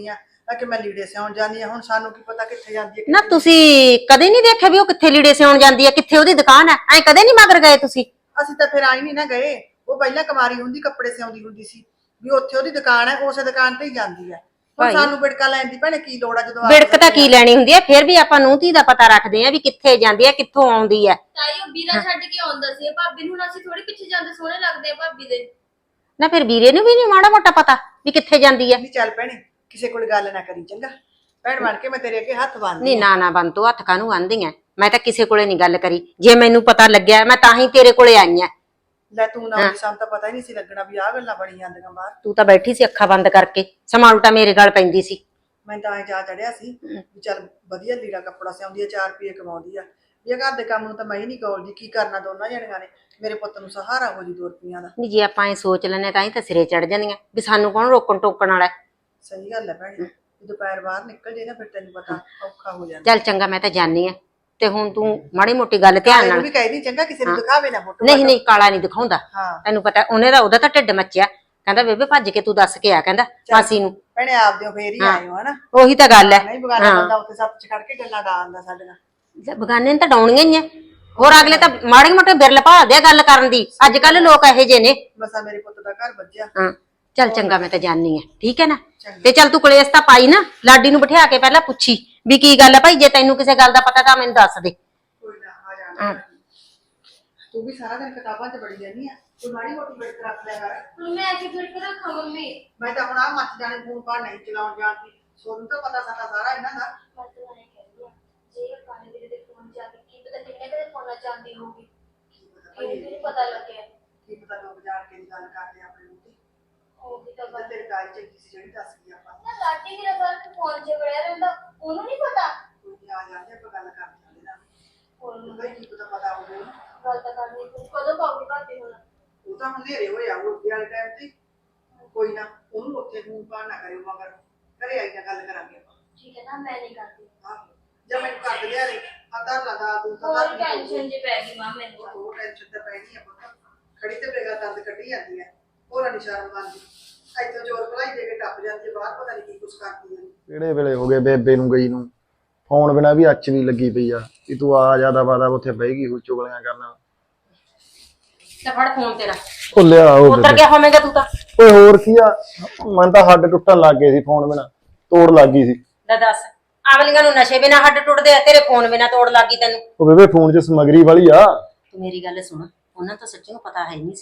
Speaker 2: ਆ ਕਿ ਮੈਂ ਲੀੜੇ ਸਿਉਣ ਜਾਂਦੀ ਆ, ਹੁਣ ਸਾਨੂੰ ਕੀ ਪਤਾ ਕਿੱਥੇ ਜਾਂਦੀ ਹੈ
Speaker 5: ਨਾ ਤੁਸੀਂ ਕਦੇ ਨਹੀਂ ਦੇਖਿਆ ਵੀ ਉਹ ਕਿੱਥੇ ਲੀੜੇ ਸਿਉਣ ਜਾਂਦੀ ਹੈ, ਕਿੱਥੇ ਉਹਦੀ ਦੁਕਾਨ ਹੈ? ਐ ਕਦੇ ਨਹੀਂ ਮਗਰ ਗਏ ਤੁਸੀਂ?
Speaker 2: ਅਸੀਂ ਤਾਂ ਫਿਰ ਆਈ ਨਹੀਂ ਨਾ ਗਏ, ਉਹ ਪਹਿਲਾਂ ਕੁਮਾਰੀ ਹੁੰਦੀ ਕੱਪੜੇ ਸਿਉਂਦੀ ਹੁੰਦੀ ਸੀ ਵੀ ਉੱਥੇ ਉਹਦੀ ਦੁਕਾਨ ਹੈ, ਉਸੇ ਦੁਕਾਨ ਤੇ ਹੀ ਜਾਂਦੀ ਹੈ। ਹੁਣ
Speaker 5: ਭਾਈ।
Speaker 2: ਸਾਨੂੰ ਬਿੜਕਾ ਲੈਣ ਦੀ ਭੈਣੇ ਕੀ ਲੋੜ ਆ ਜਦੋਂ ਆਪ
Speaker 5: ਬਿੜਕ ਤਾਂ ਕੀ ਲੈਣੀ ਹੁੰਦੀ ਹੈ, ਫਿਰ ਵੀ ਆਪਾਂ ਨੂੰ ਧੀ ਦਾ ਪਤਾ ਰੱਖਦੇ ਆ ਵੀ ਕਿੱਥੇ ਜਾਂਦੀ ਹੈ, ਕਿੱਥੋਂ ਆਉਂਦੀ ਹੈ।
Speaker 6: ਤਾਈ ਉਹ ਵੀਰਾ ਛੱਡ ਕੇ ਆਉਂਦਾ ਸੀ ਭਾਬੀ ਨੂੰ, ਹੁਣ ਅਸੀਂ ਥੋੜੀ ਪਿੱਛੇ ਜਾਂਦੇ ਸੋਹਣੇ ਲੱਗਦੇ ਆ ਭਾਬੀ ਦੇ।
Speaker 5: ਨਾ ਫਿਰ ਵੀਰੇ ਨੂੰ ਵੀ ਨਹੀਂ ਮਾੜਾ ਮੋਟਾ ਪਤਾ ਵੀ ਕਿੱਥੇ ਜਾਂਦੀ ਹੈ?
Speaker 2: ਨਹੀਂ ਚੱਲ ਭੈਣੇ ਕਿਸੇ ਕੋਲ ਗੱਲ ਨਾ ਕਰੀ ਚੰਗਾ, ਭੈਣ ਬਣ ਕੇ ਮੈਂ ਤੇਰੇ ਅੱਗੇ ਹੱਥ ਬੰਨ੍ਹਦੀ
Speaker 5: ਨਹੀਂ ਨਾ ਨਾ ਬੰਤੂ, ਹੱਥ ਕਾਹਨੂੰ ਆਂਦੀ ਐ? ਮੈਂ ਤਾਂ ਕਿਸੇ ਕੋਲੇ ਨਹੀਂ ਗੱਲ ਕਰੀ, ਜੇ ਮੈਨੂੰ ਪਤਾ ਲੱਗਿਆ ਮੈਂ ਤਾਂ ਹੀ ਤੇਰੇ ਕੋਲੇ ਆਈ ਆ।
Speaker 2: ਲੈ ਤੂੰ ਨਾ ਆਉਂਦੀ, ਸਾਨੂੰ ਤਾਂ ਪਤਾ ਹੀ ਨਹੀਂ ਸੀ ਲੱਗਣਾ ਵੀ ਆਹ ਗੱਲਾਂ ਬਣੀ ਜਾਂਦੀਆਂ ਬਾਹਰ।
Speaker 5: ਤੂੰ ਤਾਂ ਬੈਠੀ ਸੀ ਅੱਖਾਂ ਬੰਦ ਕਰਕੇ, ਸਮਾਂ ਉਲਟਾ ਮੇਰੇ ਗਲ ਪੈਂਦੀ ਸੀ।
Speaker 2: ਮੈਂ ਤਾਂ ਐ ਜਾ ਚੜਿਆ ਸੀ ਵੀ ਚੱਲ ਵਧੀਆ ਲੀੜਾ ਕੱਪੜਾ ਸਿਉਂਦੀ ਆ, 4 ਰੁਪਏ ਕਮਾਉਂਦੀ ਆ, ਇਹ ਘਰ ਦੇ ਕੰਮ ਨੂੰ ਤਾਂ ਮੈਂ ਹੀ ਨਹੀਂ ਕੌਲਦੀ, ਕੀ ਕਰਨਾ ਦੋਨਾਂ ਜਣੀਆਂ ਨੇ, ਮੇਰੇ ਪੁੱਤ ਨੂੰ ਸਹਾਰਾ ਹੋ ਜੀ 2 ਰੁਪਈਆਂ ਦਾ।
Speaker 5: ਨਹੀਂ ਜੇ ਆਪਾਂ ਇਹ ਸੋਚ ਲੈਨੇ ਤਾਂ ਹੀ ਤਾਂ ਸਿਰੇ ਚੜ ਜਾਂਦੀਆਂ ਵੀ ਸਾਨੂੰ ਕੌਣ ਰੋਕਣ ਟੋਕਣ ਵਾਲਾ ਹੈ।
Speaker 2: ਸਹੀ ਗੱਲ ਹੈ ਭੈਣੇ, ਦੁਪਹਿਰ ਬਾਹਰ ਨਿਕਲ ਜੇ ਨਾ ਫਿਰ ਤੈਨੂੰ ਪਤਾ ਔਖਾ ਹੋ ਜਾਂਦਾ।
Speaker 5: ਚੱਲ ਚੰਗਾ, ਮੈਂ ਤਾਂ ਜਾਣੀ ਆ, ਤੇ ਹੁਣ ਤੂੰ ਮਾੜੀ ਮੋਟੀ ਗੱਲ ਧਿਆਨ
Speaker 2: ਇਹਨੂੰ
Speaker 5: ਨਾਲ।
Speaker 2: ਵੀ ਕਹਿ ਦੀ ਚੰਗਾ, ਕਿਸੇ ਨੂੰ ਦਿਖਾਵੇ ਨਾ ਫੋਟੋ।
Speaker 5: ਨਹੀਂ ਨਹੀਂ, ਕਾਲਾ ਨਹੀਂ ਦਿਖਾਉਂਦਾ,
Speaker 2: ਹਾਂ
Speaker 5: ਤੈਨੂੰ ਪਤਾ ਉਹਦਾ ਤਾਂ ਢਿੱਡ ਮੱਚਿਆ, ਕਹਿੰਦਾ ਬੇਬੇ ਭੱਜ ਕੇ ਤੂੰ ਦੱਸ ਕੇ ਆ, ਕਹਿੰਦਾ ਮਾਸੀ ਨੂੰ।
Speaker 2: ਭੈਣੇ ਆਪਦੇ ਫੇਰ ਹੀ ਆਏ ਹੋ ਹਨਾ,
Speaker 5: ਉਹੀ ਤਾਂ ਗੱਲ ਹੈ।
Speaker 2: ਨਹੀਂ ਬਗਾਨਾ ਬੰਦਾ ਉੱਥੇ ਸੱਤ ਚ ਖੜ ਕੇ ਗੱਲਾਂ ਡਾਲਦਾ ਸਾਡੇ ਨਾਲ।
Speaker 5: ਬਗਾਨੇ ਨੇ ਤਾਂ ਡਾਉਣੀਆਂ ਹੀ ਆ, ਹੋਰ ਅਗਲੇ ਤਾਂ ਮਾੜੇ ਮੋਟੇ ਬਿਰਲ ਭਾਲਦੇ ਆ ਗੱਲ ਕਰਨ ਦੀ, ਅੱਜ ਕੱਲ ਲੋਕ ਇਹੋ ਜਿਹੇ ਨੇ।
Speaker 2: ਬਸਾ ਮੇਰੇ ਪੁੱਤ ਦਾ ਘਰ ਵੱਜਿਆ।
Speaker 5: ਹਾਂ ਚੱਲ ਚੰਗਾ, ਮੈਂ ਤਾਂ ਜਾਣੀ ਆ, ਠੀਕ ਹੈ ਨਾ? ਤੇ ਚੱਲ ਤੂੰ ਕਲੇਸ਼ ਤਾਂ ਪਾਈ ਨਾ, ਲਾਡੀ ਨੂੰ ਬਿਠਾ ਕੇ ਪਹਿਲਾਂ ਪੁੱਛੀ ਵੀ ਕੀ ਗੱਲ ਹੈ ਭਾਈ, ਜੇ ਤੈਨੂੰ ਕਿਸੇ ਗੱਲ ਦਾ ਪਤਾ ਤਾਂ ਮੈਨੂੰ ਦੱਸ ਦੇ।
Speaker 2: ਕੋਈ ਨਾ ਆ ਜਾਣਾ, ਤੂੰ ਵੀ ਸਾਰਾ ਦਿਨ ਕਿਤਾਬਾਂ 'ਚ ਬੜੀ ਰਹਿੰਦੀ ਆ, ਤੂੰ ਮਾੜੀ ਮੋਟੀ ਬਿੜਕ ਰੱਖ ਲਿਆ ਕਰ।
Speaker 6: ਹੁਣ ਮੈਂ ਕੀ ਫਿਰ ਕੇ ਰੱਖਾਂ ਮੰਮੀ?
Speaker 2: ਮੈਂ ਤਾਂ ਹੁਣ ਆ ਮੱਚ ਜਾਣੇ ਫੋਨ ਪਾ ਨਹੀਂ ਚਲਾਉਣ ਜਾਣਦੀ, ਸੋਨੂੰ ਤਾਂ ਪਤਾ ਸਾਡਾ ਸਾਰਾ ਇਹਨਾਂ ਦਾ।
Speaker 6: ਮੈਂ ਤਾਂ ਐਂ ਕਹਿੰਦੀ ਆ, ਜੇ ਕਾਲੇ ਵੀਰੇ ਦੇ ਫੋਨ ਜਾ ਕੇ ਕੀ ਪਤਾ ਕਿੰਨੇ ਕਦੇ ਫੋਨਾਂ ਚਾਹੁੰਦੀ ਹੋਊਗੀ, ਕਿਹਨੂੰ ਪਤਾ ਲੱਗਿਆ।
Speaker 2: ਕੀ ਪਤਾ ਲੋਕ ਜਾਣ ਕੇ ਗੱਲ ਕਰਦੇ ਆਪਣੇ ਨੂੰ ਤੇ
Speaker 6: ਉਹ ਵੀ ਤਾਂ
Speaker 2: ਤਾਂ ਤੇਰੇ ਕਾਲ ਚੰਗੀ ਸੀ ਜਿਹੜੀ ਦੱਸ ਗਈ ਆਪਾਂ
Speaker 6: ਨਾ ਲਾਡੀ ਵੀਰਾ ਸਾਰਾ ਫੋਨ 'ਚ ਵੜਿਆ ਰਹਿੰਦਾ, ਉਹਨੂੰ ਨਹੀਂ ਪਤਾ।
Speaker 2: ਕੋਈ ਨੀ, ਆ ਜਾਂਦੇ ਆਪਾਂ ਗੱਲ ਕਰਦੇ ਹਾਂ ਇਹਦੇ ਨਾਲ,
Speaker 6: ਉਹਨੂੰ
Speaker 2: ਉਹਦਾ ਕੀ ਪਤਾ ਪਤਾ ਹੋਵੇ ਉਹਨੂੰ।
Speaker 6: ਗੱਲ ਤਾਂ ਕਰਨੀ ਤੂੰ ਕਦੋਂ ਪਾਉਗੀ ਭਾਬੀ ਹੁਣ?
Speaker 2: ਉਹ ਤਾਂ ਹਨੇਰੇ ਹੋਏ ਆ ਉੱਤੇ ਵਾਲੇ ਟਾਈਮ ਤੇ, ਕੋਈ ਨਾ ਉਹਨੂੰ ਉੱਥੇ ਫੋਨ ਪਾ ਨਾ ਕਰਿਓ, ਮਗਰ ਘਰੇ ਆਈ ਨਾ ਗੱਲ ਕਰਾਂਗੇ ਆਪਾਂ।
Speaker 6: ਠੀਕ ਹੈ ਨਾ, ਮੈਂ ਨਹੀਂ ਕਰਦੀ।
Speaker 2: ਜਦ ਮੈਨੂੰ ਕਰ ਦਿਆ ਰੇ ਆਤਾ ਲਗਾ ਦੂੰ ਤਾਂ
Speaker 6: ਹੋਰ ਟੈਨਸ਼ਨ ਜੇ ਪੈ ਗਈ ਮਾਂ ਮੈਨੂੰ ਤਾਂ।
Speaker 2: ਉਹ ਟੈਨਸ਼ਨ ਤਾਂ ਪੈਣੀ ਆ ਪੁੱਤ, ਖੜੀ ਤੇ ਬੇਗਾ ਦਰਦ ਕੱਢੀ ਜਾਂਦੀ ਹੈ, ਹੋਰ ਨਿਸ਼ਾਨ ਮੰਨਦੀ ਇੱਥੋਂ ਜੋਰ ਭਲਾਈ ਦੇ ਕੇ ਟੱਪ ਜਾਂਦੀ ਹੈ ਬਾਹਰ, ਪਤਾ ਨਹੀਂ ਕੀ ਕੁਛ ਕਰਦੀ ਹੈ।
Speaker 4: ਕਿਹੜੇ ਵੇਲੇ ਹੋ ਗਏ ਬੇਬੇ ਨੂੰ ਗਈ ਨੂੰ, ਫੋਨ ਬਿਨਾ ਵੀ ਅੱਛ ਨਹੀਂ ਲੱਗੀ ਪਈ ਆ ਕਿ ਤੂੰ ਆ ਜਿਆਦਾ ਵਾਦਾ ਉੱਥੇ ਬਹਿ ਗਈ ਹੋ ਚੁਗਲੀਆਂ ਕਰਨਾ।
Speaker 5: ਤੇ ਫੜ ਫੋਨ ਤੇਰਾ,
Speaker 4: ਭੁੱਲਿਆ ਉਹ
Speaker 5: ਉਤਰ ਗਿਆ ਹੋਵੇਂਗਾ ਤੂੰ ਤਾਂ।
Speaker 4: ਓਏ ਹੋਰ ਕੀ ਆ, ਮਨ ਤਾਂ ਹੱਡ ਟੁੱਟਣ ਲੱਗ ਗਏ ਸੀ, ਫੋਨ ਬਿਨਾ ਤੋੜ ਲੱਗ ਗਈ ਸੀ।
Speaker 5: ਲੈ ਦੱਸ, ਆਵਲੀਆਂ ਨੂੰ ਨਸ਼ੇ ਬਿਨਾ ਹੱਡ ਟੁੱਟਦੇ ਆ, ਤੇਰੇ ਫੋਨ ਬਿਨਾ ਤੋੜ ਲੱਗੀ ਤੈਨੂੰ।
Speaker 4: ਉਹ ਬੇਬੇ ਫੋਨ 'ਚ ਸਮਗਰੀ ਵਾਲੀ ਆ।
Speaker 5: ਤੂੰ ਮੇਰੀ ਗੱਲ ਸੁਣ, ਉਹਨਾਂ ਤਾਂ ਸੱਚੀਓ ਪਤਾ ਹੈ ਨਹੀਂ ਸੀ।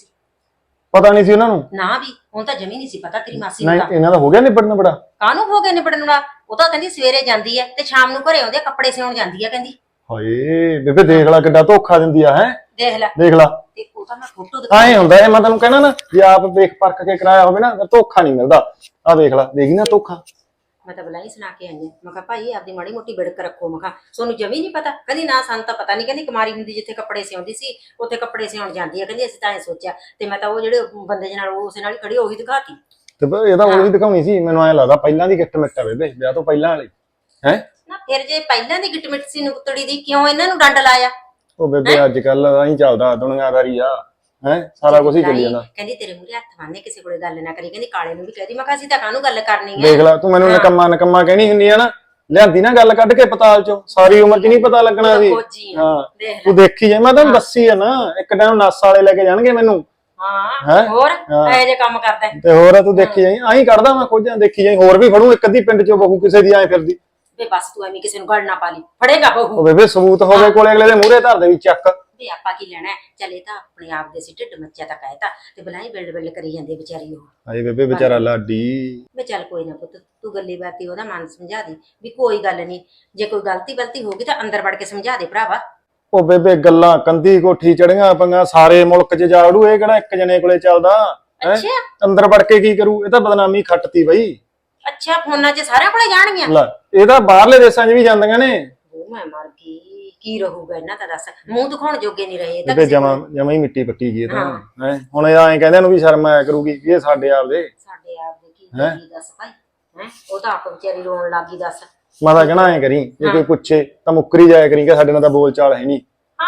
Speaker 4: ਪਤਾ ਨਹੀਂ ਸੀ ਉਹਨਾਂ ਨੂੰ?
Speaker 5: ਨਾ ਵੀ ਹੁਣ ਤਾਂ ਜਮੀ ਨਹੀਂ ਸੀ ਪਤਾ ਤੇਰੀ ਮਾਸੀ ਨੂੰ
Speaker 4: ਨਹੀਂ,
Speaker 5: ਤਾਂ।
Speaker 4: ਇਹਨਾਂ ਦਾ ਹੋ ਗਿਆ ਨਿਬੜਨ ਬੜਾ।
Speaker 5: ਕਾਹਨੂੰ ਹੋ ਗਏ ਨਿਬੜਨ ਵਾਲਾ? ਉਹ ਤਾਂ ਕਹਿੰਦੀ ਸਵੇਰੇ ਜਾਂਦੀ ਹੈ ਤੇ ਸ਼ਾਮ ਨੂੰ ਘਰੇ ਆਉਂਦੇ, ਕੱਪੜੇ ਸਿਉਣ ਜਾਂਦੀ ਹੈ ਕਹਿੰਦੀ।
Speaker 4: ਹਾਏ ਬੇਬੇ ਦੇਖ ਲੈ ਕਿੱਡਾ ਧੋਖਾ ਦਿੰਦੀ ਆ, ਹੈ
Speaker 5: ਦੇਖ ਲੈ,
Speaker 4: ਦੇਖ ਲੈ।
Speaker 5: ਤੇ ਉਹ ਤਾਂ ਮੈਂ ਫੋਟੋ
Speaker 4: ਐਂ ਹੁੰਦਾ ਇਹ, ਮੈਂ ਤੈਨੂੰ ਕਹਿਣਾ ਨਾ, ਜੇ ਆਪ ਵੇਖ ਪਰਖ ਕੇ ਕਰਾਇਆ ਹੋਵੇ ਨਾ, ਫਿਰ ਧੋਖਾ ਨਹੀਂ ਮਿਲਦਾ। ਆ ਵੇਖ ਲੈ, ਦੇਖੀ ਨਾ ਧੋਖਾ।
Speaker 5: ਮੈਂ ਤਾਂ ਬਲਾਈ ਸੁਣਾ ਕੇ ਆਈ ਹਾਂ, ਮੈਂ ਕਿਹਾ ਭਾਈ ਆਪਦੀ ਮਾੜੀ ਮੋਟੀ ਬਿੜਕ ਰੱਖੋ। ਮੈਂ ਕਿਹਾ ਸੋਨੂੰ ਜਮੀ ਨਹੀਂ ਪਤਾ? ਕਹਿੰਦੀ ਨਾ ਸਾਨੂੰ ਤਾਂ ਪਤਾ ਨਹੀਂ, ਕਹਿੰਦੀ ਕੁਮਾਰੀ ਹੁੰਦੀ ਜਿੱਥੇ ਕੱਪੜੇ ਸਿਉਂਦੀ ਸੀ ਉੱਥੇ ਕੱਪੜੇ ਸਿਉਣ ਜਾਂਦੀ ਹੈ, ਕਹਿੰਦੀ ਅਸੀਂ ਤਾਂ ਐਂ ਸੋਚਿਆ। ਤੇ ਮੈਂ ਤਾਂ ਉਹ ਜਿਹੜੇ ਬੰਦੇ ਨਾਲ ਉਸੇ ਨਾਲ ਹੀ ਖੜੀ ਉਹੀ ਦਿਖਾਤੀ।
Speaker 4: ਤੇ ਇਹ ਤਾਂ ਉਹੀ ਦਿਖਾਉਣੀ ਸੀ, ਮੈਨੂੰ ਐਂ ਲੱਗਦਾ ਪਹਿਲਾਂ ਦੀ ਗਿੱਟ ਮਿੱਟ ਆ ਬੇਬੇ, ਵਿਆਹ ਤੋਂ ਪਹਿਲਾਂ ਵਾਲੀ ਹੈ
Speaker 5: ਨਾ। ਫਿਰ ਜੇ ਪਹਿਲਾਂ ਦੀ ਗਿੱਟ ਮਿੱਟ ਸੀ ਨੁਕਤੜੀ ਦੀ, ਕਿਉਂ ਇਹਨਾਂ ਨੂੰ ਡੰਡ ਲਾਇਆ?
Speaker 4: ਉਹ ਬੇਬੇ ਅੱਜ ਕੱਲ ਐਂ ਚੱਲਦਾ, ਦੁਨੀਆਦਾਰੀ ਆ, ਹੈ ਸਾਰਾ ਕੁਝ ਹੀ ਚੱਲੀ ਜਾਂਦਾ।
Speaker 5: ਕਹਿੰਦੀ ਤੇਰੇ ਮੂਹਰੇ ਹੱਥ ਬੰਨ੍ਹੇ ਕਿਸੇ ਕੋਲੇ ਗੱਲ ਨਾ ਕਰੀ, ਕਹਿੰਦੀ ਕਾਲੇ ਨੂੰ ਵੀ ਕਹਦੀ। ਮੈਂ ਕਿਹਾ ਅਸੀਂ ਤਾਂ ਕਾਹਨੂੰ ਗੱਲ ਕਰਨੀ ਹੈ?
Speaker 4: ਦੇਖ ਲੈ ਤੂੰ ਮੈਨੂੰ ਨਕੰਮਾ ਕਹਿਣੀ ਹੁੰਦੀ ਆ ਨਾ, ਲਿਆਂਦੀ ਨਾ ਗੱਲ ਕੱਢ ਕੇ ਪਤਾਲ ਚੋਂ, ਸਾਰੀ ਉਮਰ 'ਚ ਨਹੀਂ ਪਤਾ ਲੱਗਣਾ ਸੀ।
Speaker 5: ਫੌਜੀ ਆ,
Speaker 4: ਹਾਂ
Speaker 5: ਦੇਖ ਲੈ।
Speaker 4: ਤੂੰ ਦੇਖੀ ਜਾਏ, ਮੈਂ ਤੈਨੂੰ ਦੱਸੀ ਆ ਨਾ, ਇੱਕ ਟਾਈਮ ਨਸ ਵਾਲੇ ਲੈ ਕੇ ਜਾਣਗੇ ਮੈਨੂੰ।
Speaker 5: ਹਾਂ ਹੋਰ ਇਹੋ ਜਿਹੇ ਕੰਮ ਕਰਦਾ
Speaker 4: ਤੇ ਹੋਰ ਤੂੰ ਦੇਖੀ ਜਾਈ, ਆਹੀਂ ਕੱਢਦਾ ਮੈਂ ਖੋਜਾਂ, ਦੇਖੀ ਜਾਈ ਹੋਰ ਵੀ ਫੜੂ ਇੱਕ ਅੱਧੀ ਪਿੰਡ 'ਚੋਂ ਬਹੂ ਕਿਸੇ ਦੀ ਐਂ ਫਿਰਦੀ।
Speaker 5: ਵੇ ਬਸ ਤੂੰ ਐਵੇਂ ਕਿਸੇ ਨੂੰ ਗੜ ਨਾ ਪਾ ਲਈ, ਫੜੇਗਾ
Speaker 4: ਉਹ
Speaker 5: ਬਹੂ।
Speaker 4: ਬੇਬੇ ਸਬੂਤ ਹੋਵੇ ਕੋਲੇ, ਅਗਲੇ ਦੇ ਮੂਹਰੇ ਧਰ ਦੇ ਵੀ ਚੱਕ।
Speaker 5: ਵੀ ਆਪਾਂ ਕੀ ਲੈਣਾ, ਚਲੇ ਤਾਂ ਆਪਣੇ ਆਪ ਦੇ ਸੀ, ਢਿੱਡ ਮੱਚਿਆ ਤਾਂ ਕਹਿਤਾ, ਤੇ ਬਲਾਈ ਬਿਲਡ ਕਰੀ ਜਾਂਦੀ ਆ ਵਿਚਾਰੀ ਉਹ।
Speaker 4: ਹਾਏ ਬੇਬੇ ਵਿਚਾਰਾ ਲਾਡੀ।
Speaker 5: ਵੇ ਚੱਲ ਕੋਈ ਨਾ ਪੁੱਤ, ਤੂੰ ਗੱਲੀ ਬਾਤੀ ਉਹਦਾ ਮਨ ਸਮਝਾ ਦੇ ਵੀ ਕੋਈ ਗੱਲ ਨਹੀਂ, ਜੇ ਕੋਈ ਗਲਤੀ ਹੋਗੀ ਤਾਂ ਅੰਦਰ ਵੜ ਕੇ ਸਮਝਾ ਦੇ ਭਰਾਵਾ।
Speaker 4: ਉਹ ਬੇਬੇ ਗੱਲਾਂ ਕੰਧੀ ਕੋਠੀ ਚੜੀਆਂ ਪੰਗਾ, ਸਾਰੇ ਮੁਲਕ 'ਚ ਜਾ ਵੜੂ, ਇਹ ਕਿਹੜਾ ਇੱਕ ਜਣੇ ਕੋਲੇ ਚੱਲਦਾ ਹੈ?
Speaker 5: ਅੱਛਾ
Speaker 4: ਅੰਦਰ ਵੜ ਕੇ ਕੀ ਕਰੂ? ਇਹ ਤਾਂ ਬਦਨਾਮੀ ਖੱਟਤੀ ਬਈ।
Speaker 5: ਅੱਛਾ, ਫੋਨਾਂ 'ਚ ਸਾਰਿਆਂ ਕੋਲੇ ਜਾਣਗੀਆਂ?
Speaker 4: ਲੈ ਇਹ ਤਾਂ ਬਾਹਰਲੇ ਦੇਸ਼ਾਂ 'ਚ ਵੀ ਜਾਂਦੀਆਂ ਨੇ।
Speaker 5: ਉਹ ਮੈਂ ਮਰ ਗਈ, ਕੀ ਰਹੂਗਾ ਇਹਨਾਂ ਦਾ ਦੱਸ? ਮੂੰਹ ਦਿਖਾਉਣ ਜੋਗੇ ਨਹੀਂ ਰਹੇ
Speaker 4: ਬੇਬੇ ਜਮਾ ਹੀ ਮਿੱਟੀ ਪੱਟੀ ਗਈ ਇਹ ਤਾਂ ਹੈ। ਹੁਣ ਇਹ ਐਂ ਕਹਿੰਦੇ ਨੂੰ ਵੀ ਸ਼ਰਮ ਆਇਆ ਕਰੂਗੀ ਵੀ ਇਹ ਸਾਡੇ ਆਪਦੇ।
Speaker 5: ਸਾਡੇ ਆਪ ਦੇ ਕੀ ਕਰੀ ਦੱਸ ਭਾਈ, ਹੈ ਉਹ ਤਾਂ ਆਪ ਵਿਚਾਰੀ ਰੋਣ ਲੱਗੀ ਦੱਸ।
Speaker 4: ਮੈਂ ਤਾਂ ਕਹਿਣਾ ਐਂ ਕਰੀ, ਜੇ ਕੋਈ ਪੁੱਛੇ ਤਾਂ ਮੁੱਕਰੀ ਜਾਇਆ ਕਰੀ ਕਿ ਸਾਡੇ ਨਾਲ ਤਾਂ ਬੋਲ ਚਾਲ ਹੈ ਨਹੀਂ।
Speaker 5: ਹਾਂ ਮੈਂ ਤਾਂ ਕਦੋਂ